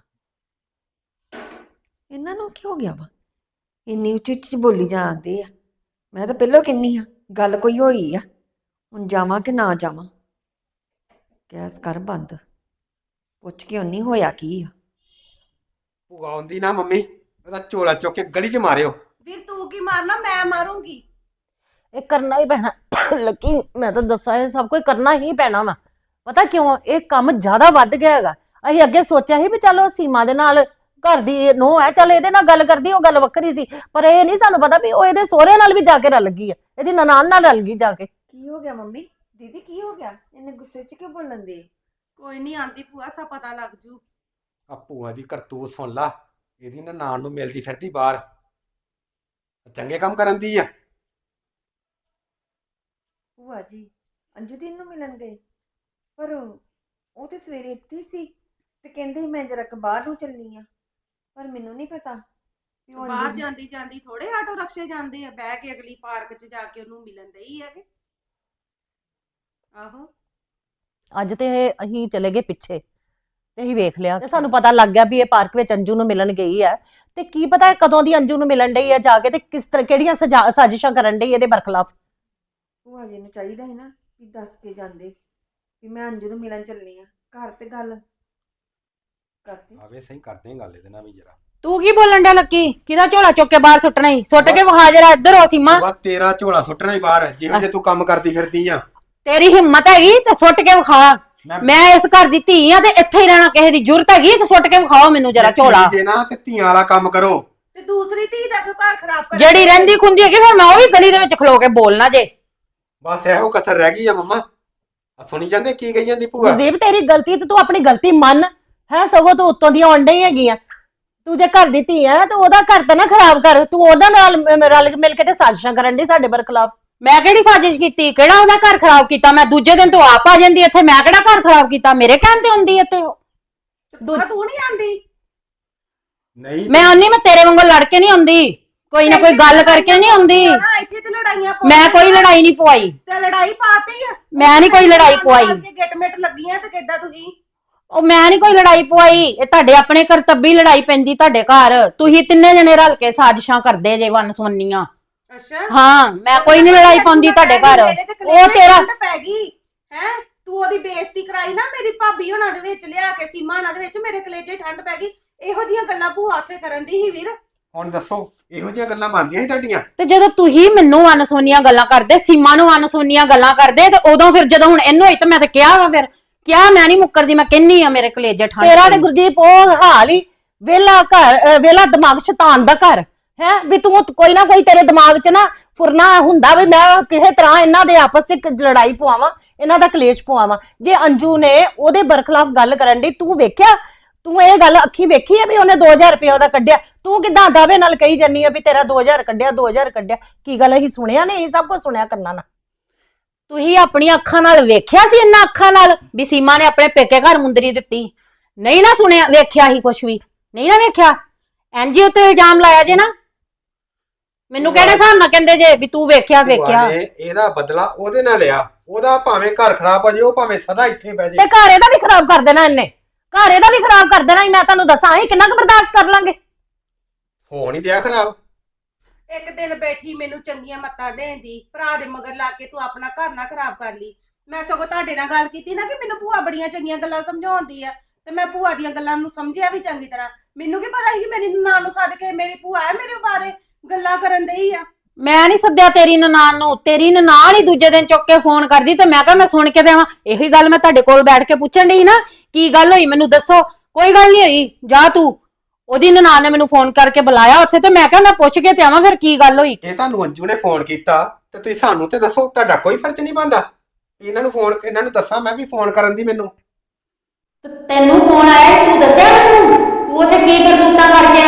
S4: ਇਹਨਾਂ ਨੂੰ ਕੀ ਹੋ ਗਿਆ ਵਾ? ਇੰਨੀ ਉੱਚੀ ਉੱਚੀ ਬੋਲੀ ਜਾਂਦੇ ਆ। ਮੈਂ ਤਾਂ ਪਹਿਲਾਂ ਕਿੰਨੀ ਆ ਗੱਲ ਕੋਈ ਹੋਈ ਆ, ਹੁਣ ਜਾਵਾਂ ਕਿ ਨਾ ਜਾਵਾਂ? ਗੈਸ ਕਰ ਬੰਦ, ਪੁੱਛ ਕੇ ਉਹਨੀ ਹੋਇਆ ਕੀ ਆ।
S5: ਭੂਆ ਆਉਂਦੀ ਨਾ ਮੰਮੀ, ਉਹਦਾ ਝੋਲਾ ਚੁੱਕ ਕੇ ਗਲੀ 'ਚ ਮਾਰਿਓ।
S7: ਵੀਰ ਤੂੰ ਕੀ ਮਾਰਨਾ, ਮੈਂ ਮਾਰੂੰਗੀ।
S6: ਇਹ ਕਰਨਾ ਹੀ ਪੈਣਾ ਲੱਕੀ, ਮੈਂ ਤਾਂ ਦੱਸਾਂ ਇਹ ਸਭ ਕੁਝ ਕਰਨਾ ਹੀ ਪੈਣਾ ਵਾ। ਪਤਾ ਕਿਉਂ? ਇਹ ਕੰਮ ਜ਼ਿਆਦਾ ਵੱਧ ਗਿਆ ਹੈਗਾ। ਅਸੀਂ ਅੱਗੇ ਸੋਚਿਆ ਸੀ ਵੀ ਚਲੋ ਸੀਮਾ ਦੇ ਨਾਲ ਘਰ ਦੀ ਨੂੰਹ ਹੈ, ਚੱਲ ਇਹਦੇ ਨਾਲ ਗੱਲ ਕਰਦੀ, ਉਹ ਗੱਲ ਵੱਖਰੀ ਸੀ, ਪਰ ਇਹ ਨਹੀਂ ਸਾਨੂੰ ਪਤਾ ਵੀ ਉਹ ਇਹਦੇ ਸਹੁਰੇ ਨਾਲ ਵੀ ਜਾ ਕੇ ਰਲ ਗਈ ਹੈ, ਇਹਦੀ ਨਨਾਣ ਨਾਲ ਰਲ ਗਈ ਜਾ ਕੇ।
S4: ਕੀ ਹੋ ਗਿਆ ਮੰਮੀ? ਦੀਦੀ ਕੀ ਹੋ ਗਿਆ? ਇਹਨੇ ਗੁੱਸੇ 'ਚ ਕਿਉਂ ਬੋਲਣ ਦੇ?
S7: ਕੋਈ ਨਹੀਂ ਆਂਦੀ ਭੂਆ, ਸਾ ਪਤਾ ਲੱਗ ਜੂ।
S5: ਆ ਭੂਆ ਦੀ ਕਰਤੂਤ ਸੁਣ ਲਾ, ਇਹਦੀ ਨਨਾਣ ਨੂੰ ਮਿਲਦੀ ਫਿਰਦੀ ਬਾਹਰ, ਚੰਗੇ ਕੰਮ ਕਰਨ ਦੀ ਆ।
S4: ਭੂਆ ਜੀ ਅੰਜੂ ਦੀ ਨੂੰ ਮਿਲਣ ਗਏ, ਪਰ ਉਹ ਤੇ ਸਵੇਰੇ ਇੱਥੇ ਹੀ ਸੀ ਤੇ ਕਹਿੰਦੇ ਸੀ ਮੈਂ ਜਰਾ ਕੁ ਬਾਹਰ ਨੂੰ ਚੱਲਨੀ ਆ, ਪਰ ਮੈਨੂੰ ਨਹੀਂ ਪਤਾ ਵੀ ਉਹ
S7: ਬਾਹਰ
S4: ਅੰਜੂ
S7: ਜਾਂਦੀ ਜਾਂਦੀ ਥੋੜੇ ਆਟੋ ਰਕਸ਼ੇ ਜਾਂਦੇ ਆ, ਬਹਿ ਕੇ ਅਗਲੀ ਪਾਰਕ 'ਚ ਜਾ ਕੇ ਉਹਨੂੰ ਮਿਲਣ ਦਈ ਆ ਕਿ। ਆਹੋ
S6: ਅੱਜ ਤੇ ਅਸੀਂ ਚਲੇ ਗਏ ਪਿੱਛੇ ਤੇ ਅਸੀਂ ਵੇਖ ਲਿਆ ਤੇ ਸਾਨੂੰ ਪਤਾ ਲੱਗ ਗਿਆ ਵੀ ਇਹ ਪਾਰਕ ਵਿੱਚ ਅੰਜੂ ਨੂੰ ਮਿਲਣ ਗਈ ਹੈ, ਤੇ ਕੀ ਪਤਾ ਇਹ ਕਦੋਂ ਦੀ ਅੰਜੂ ਨੂੰ ਮਿਲਣ ਡਈ ਹੈ ਜਾ ਕੇ, ਤੇ ਕਿਸ ਤਰ੍ਹਾਂ ਕਿਹੜੀਆਂ ਸਾਜ਼ਿਸ਼ਾਂ ਕਰਨ ਡਈ ਇਹਦੇ ਬਰਖਲਾਫ।
S4: ਭੂਆ ਜੀ ਨੂੰ ਚਾਹੀਦਾ ਹੈ ਨਾ ਵੀ ਦੱਸ ਕੇ ਜਾਂਦੇ ਵੀ ਮੈਂ ਅੰਜੂ ਨੂੰ ਮਿਲਣ ਚੱਲਨੀ ਆ, ਘਰ ਤੇ ਗੱਲ ਕਰਦੀ।
S5: ਆਵੇ ਸਹੀ ਕਰਦੇ ਆਂ ਗੱਲ ਇਹਦੇ ਨਾਲ ਵੀ ਜਰਾ।
S7: ਤੂੰ ਕੀ ਬੋਲਣ ਡਿਆ ਲੱਕੀ? ਕਿਹਦਾ ਝੋਲਾ ਚੁੱਕ ਕੇ ਬਾਹਰ ਸੁੱਟਣਾ ਹੀ? ਸੁੱਟ ਕੇ ਵਿਖਾ ਜਰਾ, ਇੱਧਰ ਹੋ ਸੀਮਾ।
S5: ਭੂਆ ਤੇਰਾ ਝੋਲਾ ਸੁੱਟਣਾ ਹੀ ਬਾਹਰ, ਜਿਹੋ ਜੇ ਤੂੰ ਕੰਮ ਕਰਦੀ ਫਿਰਦੀ ਆ।
S7: ਤੇਰੀ ਹਿੰਮਤ ਹੈਗੀ ਤੇ ਸੁੱਟ ਕੇ ਵਿਖਾ। ਮੈਂ ਇਸ ਘਰ ਦੀ ਧੀ ਆ ਤੇ ਇੱਥੇ ਹੀ ਰਹਿਣਾ, ਕਿਸੇ ਦੀ ਜ਼ਰੂਰਤ ਹੈਗੀ ਤੇ ਸੁੱਟ ਕੇ ਵਿਖਾਓ ਮੈਨੂੰ ਜਰਾ ਝੋਲਾ।
S5: ਜੇ ਨਾ ਤੇ ਧੀਆਂ ਵਾਲਾ ਕੰਮ ਕਰੋ।
S7: ਤੇ ਦੂਸਰੀ ਧੀ ਦਾ ਕਿਉਂ ਘਰ ਖਰਾਬ ਕਰ?
S6: ਜਿਹੜੀ ਰਹਿੰਦੀ ਖੁੰਦੀ ਹੈਗੀ ਫਿਰ ਮੈਂ ਉਹ ਵੀ ਗਲੀ ਦੇ ਵਿੱਚ ਖਲੋ ਕੇ ਬੋਲਣਾ ਜੇ।
S5: ਬਸ ਇਹੋ ਕਸਰ ਰਹਿ ਗਈ ਆ ਮੰਮਾ। ਆ ਸੁਣੀ ਜਾਂਦੇ ਕੀ ਕਹੀ ਜਾਂਦੀ ਭੂਆ?
S6: ਗੁਰਦੀਪ ਤੇਰੀ ਗਲਤੀ ਤੇ ਤੂੰ ਆਪਣੀ ਗਲਤੀ ਮੰਨ, ਹੈ ਸਗੋਂ ਤੂੰ ਉੱਤੋਂ ਦੀਆਂ ਆਉਣ ਡਈ ਹੈਗੀਆਂ। ਤੂੰ ਜੇ ਘਰ ਦੀ ਧੀ ਹੈ ਤੇ ਉਹਦਾ ਘਰ ਤਾਂ ਨਾ ਖਰਾਬ ਕਰ, ਤੂੰ ਉਹਦਾ ਨਾਲ ਰਲ ਮਿਲ ਕੇ ਤੇ ਸਾਜ਼ਿਸ਼ਾਂ ਕਰਨ ਡਈ ਸਾਡੇ ਬਰਖਲਾਫ।
S7: ਮੈਂ ਕਿਹੜੀ ਸਾਜ਼ਿਸ਼ ਕੀਤੀ? ਕਿਹੜਾ ਉਹਦਾ ਘਰ ਖਰਾਬ ਕੀਤਾ? ਮੈਂ ਦੂਜੇ ਦਿਨ ਤੋਂ ਆਪ ਆ ਜਾਂਦੀ ਇੱਥੇ, ਮੈਂ ਕਿਹੜਾ ਘਰ ਖਰਾਬ ਕੀਤਾ? ਮੇਰੇ ਕਹਿਣ ਤੇ ਹੁੰਦੀ ਇੱਥੇ ਉਹ। ਤੂੰ ਨਹੀਂ ਆਂਦੀ?
S5: ਨਹੀਂ
S7: ਮੈਂ ਆਉਂਦੀ, ਮੈਂ ਤੇਰੇ ਵਾਂਗੂ ਲੜ ਕੇ ਨਹੀਂ ਆਉਂਦੀ, ਕੋਈ ਨਾ ਕੋਈ ਗੱਲ ਕਰਕੇ ਨਹੀਂ ਆਉਂਦੀ।
S8: ਇੱਥੇ ਤੇ ਲੜਾਈਆਂ
S7: ਮੈਂ ਕੋਈ ਲੜਾਈ ਨਹੀਂ ਪਵਾਈ,
S8: ਤੇ ਲੜਾਈ ਪਾਤੀ ਆ।
S7: ਮੈਂ ਨਹੀਂ ਕੋਈ ਲੜਾਈ ਪਵਾਈ।
S8: ਗਿੱਟ-ਮਿੱਟ ਲੱਗੀਆਂ ਤੇ ਕਿੱਦਾਂ ਤੁਸੀਂ?
S7: ਉਹ ਮੈਂ ਨਹੀਂ ਕੋਈ ਲੜਾਈ ਪਵਾਈ, ਇਹ ਤੁਹਾਡੇ ਆਪਣੇ ਕਰਤੱਬੀ ਲੜਾਈ ਪੈਂਦੀ ਤੁਹਾਡੇ ਘਰ। ਤੁਸੀਂ ਤਿੰਨੇ ਜਣੇ ਰਲ ਕੇ ਸਾਜ਼ਿਸ਼ਾਂ ਕਰਦੇ ਜੇ ਵਨ ਸੁਵੰਨੀਆਂ।
S8: ਅੱਛਾ
S7: ਹਾਂ, ਮੈਂ ਕੋਈ ਨਹੀਂ ਲੜਾਈ ਪਾਉਂਦੀ ਤੁਹਾਡੇ ਘਰ। ਉਹ ਤੇਰਾ
S8: ਪੈ ਗਈ ਹੈ, ਤੂੰ ਉਹਦੀ ਬੇਇੱਜ਼ਤੀ ਕਰਾਈ ਨਾ ਮੇਰੀ ਭਾਬੀ ਹੋਣਾ ਦੇ ਵਿੱਚ, ਲਿਆ ਕੇ ਸੀਮਾ ਹੋਣਾ ਦੇ ਵਿੱਚ, ਮੇਰੇ ਕਲੇਜੇ ਠੰਡ ਪੈ ਗਈ। ਇਹੋ ਜੀਆਂ ਗੱਲਾਂ ਭੂਆ ਉੱਥੇ ਕਰਨ ਦੀ ਸੀ ਵੀਰ।
S5: ਹੁਣ ਦੱਸੋ ਇਹੋ ਜਿਹੀਆਂ ਗੱਲਾਂ ਮੰਨਦੀਆਂ ਸੀ ਤੁਹਾਡੀਆਂ?
S7: ਤੇ ਜਦੋਂ ਤੁਸੀਂ ਮੈਨੂੰ ਅਨਸੁਣੀਆਂ ਗੱਲਾਂ ਕਰਦੇ, ਸੀਮਾ ਨੂੰ ਅਨਸੁਣੀਆਂ ਗੱਲਾਂ ਕਰਦੇ, ਤੇ ਉਦੋਂ ਫਿਰ ਜਦੋਂ ਹੁਣ ਇਹਨੂੰ ਹੋਈ ਤਾਂ ਮੈਂ ਤਾਂ ਕਿਹਾ ਵਾ, ਫਿਰ ਕਿਹਾ ਮੈਂ ਨਹੀਂ ਮੁੱਕਰਦੀ, ਮੈਂ ਕਹਿੰਨੀ ਆ ਮੇਰੇ ਕਲੇਜੇ ਠੰਡ।
S6: ਤੇਰਾ ਨੇ ਗੁਰਦੀਪ ਉਹ ਹਾਲ ਹੀ ਵੇਲਾ ਘਰ, ਵੇਲਾ ਦਿਮਾਗ ਸ਼ੈਤਾਨ ਦਾ ਘਰ ਹੈ ਵੀ ਤੂੰ ਕੋਈ ਨਾ ਕੋਈ ਤੇਰੇ ਦਿਮਾਗ 'ਚ ਨਾ ਫੁਰਨਾ ਹੁੰਦਾ ਵੀ ਮੈਂ ਕਿਸੇ ਤਰ੍ਹਾਂ ਇਹਨਾਂ ਦੇ ਆਪਸ 'ਚ ਲੜਾਈ ਪਵਾਵਾਂ, ਇਹਨਾਂ ਦਾ ਕਲੇਸ਼ ਪਵਾਵਾਂ। ਜੇ ਅੰਜੂ ਨੇ ਉਹਦੇ ਬਰਖਲਾਫ ਗੱਲ ਕਰਨ ਦੀ ਤੂੰ ਵੇਖਿਆ, ਤੂੰ ਇਹ ਗੱਲ ਅੱਖੀ ਵੇਖੀ ਹੈ ਵੀ ਉਹਨੇ 2000 ਰੁਪਏ ਉਹਦਾ ਕੱਢਿਆ? ਤੂੰ ਕਿਦਾਂ ਦਾਅਵੇ ਨਾਲ ਕਹੀ ਜੰਨੀ ਆ ਵੀ ਤੇਰਾ 2000 ਕੱਢਿਆ, 2000 ਕੱਢਿਆ? ਕੀ ਗੱਲ ਅਸੀਂ ਸੁਣਿਆ ਨਹੀਂ? ਸਭ ਕੁਝ ਸੁਣਿਆ ਕੰਨਾਂ ਨਾਲ।
S7: ਤੁਸੀਂ ਆਪਣੀਆਂ ਅੱਖਾਂ ਨਾਲ ਵੇਖਿਆ ਸੀ, ਇਹਨਾਂ ਅੱਖਾਂ ਨਾਲ ਵੀ ਸੀਮਾ ਨੇ ਆਪਣੇ ਪੇਕੇ ਘਰ ਮੁੰਦਰੀ ਦਿੱਤੀ? ਨਹੀਂ ਨਾ ਸੁਣਿਆ, ਵੇਖਿਆ ਹੀ ਕੁਛ ਵੀ ਨਹੀਂ ਨਾ ਵੇਖਿਆ। ਐਨਜੀਓ ਤੇ ਇਲਜ਼ਾਮ ਲਾਇਆ ਜੇ ਨਾ, ਮੈਨੂੰ ਕਿਹੜੇ ਹਿਸਾਬ ਨਾਲ ਕਹਿੰਦੇ ਜੇ ਵੀ ਤੂੰ ਵੇਖਿਆ?
S5: ਭੂਆ ਨੇ ਇਹਦਾ ਬਦਲਾ ਉਹਦੇ ਨਾਲ ਲਿਆ। ਉਹਦਾ ਭਾਵੇਂ ਘਰ ਖਰਾਬ ਹੋ ਜਾਏ, ਉਹ ਭਾਵੇਂ ਸਦਾ ਇੱਥੇ ਬਹਿ
S6: ਤੇ
S5: ਜਾਏ।
S6: ਘਰ ਇਹਦਾ ਵੀ ਖਰਾਬ ਕਰ ਦੇਣਾ ਇਹਨੇ, ਘਰ ਇਹਦਾ ਵੀ ਖਰਾਬ ਕਰ ਦੇਣਾ। ਮੈਂ ਤੁਹਾਨੂੰ ਦੱਸਾਂ ਅਸੀਂ ਕਿੰਨਾ ਕੁ ਬਰਦਾਸ਼ਤ ਕਰ ਲਾਂਗੇ?
S5: ਹੋ ਨਹੀਂ ਦਿਆ ਖਰਾਬ।
S8: ਇੱਕ ਦਿਨ ਬੈਠੀ ਮੈਨੂੰ ਚੰਗੀਆਂ ਮੱਤਾਂ ਦੇਣ ਦੀ, ਭਰਾ ਦੇ ਮਗਰ ਲਾ ਕੇ ਤੂੰ ਆਪਣਾ ਘਰ ਨਾ ਖਰਾਬ ਕਰ ਲਈ। ਮੈਂ ਸਗੋਂ ਤੁਹਾਡੇ ਨਾਲ ਗੱਲ ਕੀਤੀ ਨਾ ਕਿ ਮੈਨੂੰ ਭੂਆ ਬੜੀਆਂ ਚੰਗੀਆਂ ਗੱਲਾਂ ਸਮਝਾਉਂਦੀ ਆ, ਤੇ ਮੈਂ ਭੂਆ ਦੀਆਂ ਗੱਲਾਂ ਨੂੰ ਸਮਝਿਆ ਵੀ ਚੰਗੀ ਤਰ੍ਹਾਂ। ਮੈਨੂੰ ਕੀ ਪਤਾ ਸੀ ਕਿ ਮੇਰੀ ਨਨਾਣ ਨੂੰ ਸੱਦ ਕੇ ਮੇਰੀ ਭੂਆ ਹੈ ਮੇਰੇ ਬਾਰੇ ਗੱਲਾਂ ਕਰਨ ਦਈ ਆ।
S7: ਮੈਂ ਨਹੀਂ ਸੱਦਿਆ ਤੇਰੀ ਨਨਾਣ ਨੂੰ, ਤੇਰੀ ਨਨਾਣ ਹੀ ਦੂਜੇ ਦਿਨ ਚੁੱਕ ਕੇ ਫੋਨ ਕਰਦੀ, ਤੇ ਮੈਂ ਕਿਹਾ ਮੈਂ ਸੁਣ ਕੇ ਦੇਵਾਂ। ਇਹੀ ਗੱਲ ਮੈਂ ਤੁਹਾਡੇ ਕੋਲ ਬੈਠ ਕੇ ਪੁੱਛਣ ਡਈ ਨਾ, ਕੀ ਗੱਲ ਹੋਈ ਮੈਨੂੰ ਦੱਸੋ। ਕੋਈ ਗੱਲ ਨਹੀਂ ਹੋਈ, ਜਾ ਤੂੰ। ਉਹਦੀ ਨਨਾਣ ਨੇ ਮੈਨੂੰ ਫੋਨ ਕਰਕੇ ਬੁਲਾਇਆ ਉੱਥੇ, ਤੇ ਮੈਂ ਕਿਹਾ ਮੈਂ ਪੁੱਛ ਕੇ ਤੇ ਆਵਾਂ ਫਿਰ ਕੀ ਗੱਲ ਹੋਈ।
S5: ਇਹ ਤੁਹਾਨੂੰ ਅੰਜੂ ਨੇ ਫੋਨ ਕੀਤਾ ਤੇ ਤੁਸੀਂ ਸਾਨੂੰ ਤੇ ਦੱਸੋ, ਤੁਹਾਡਾ ਕੋਈ ਫਰਜ਼ ਨਹੀਂ ਬਣਦਾ? ਇਹਨਾਂ ਨੂੰ ਦੱਸਾਂ ਮੈਂ ਵੀ ਫੋਨ ਕਰਨ ਦੀ ਮੈਨੂੰ?
S7: ਤੈਨੂੰ ਫੋਨ ਆਇਆ, ਤੂੰ ਦੱਸਿਆ ਮੈਨੂੰ? ਤੂੰ ਉੱਥੇ ਕੀ ਕਰਤੂਤਾਂ ਕਰਕੇ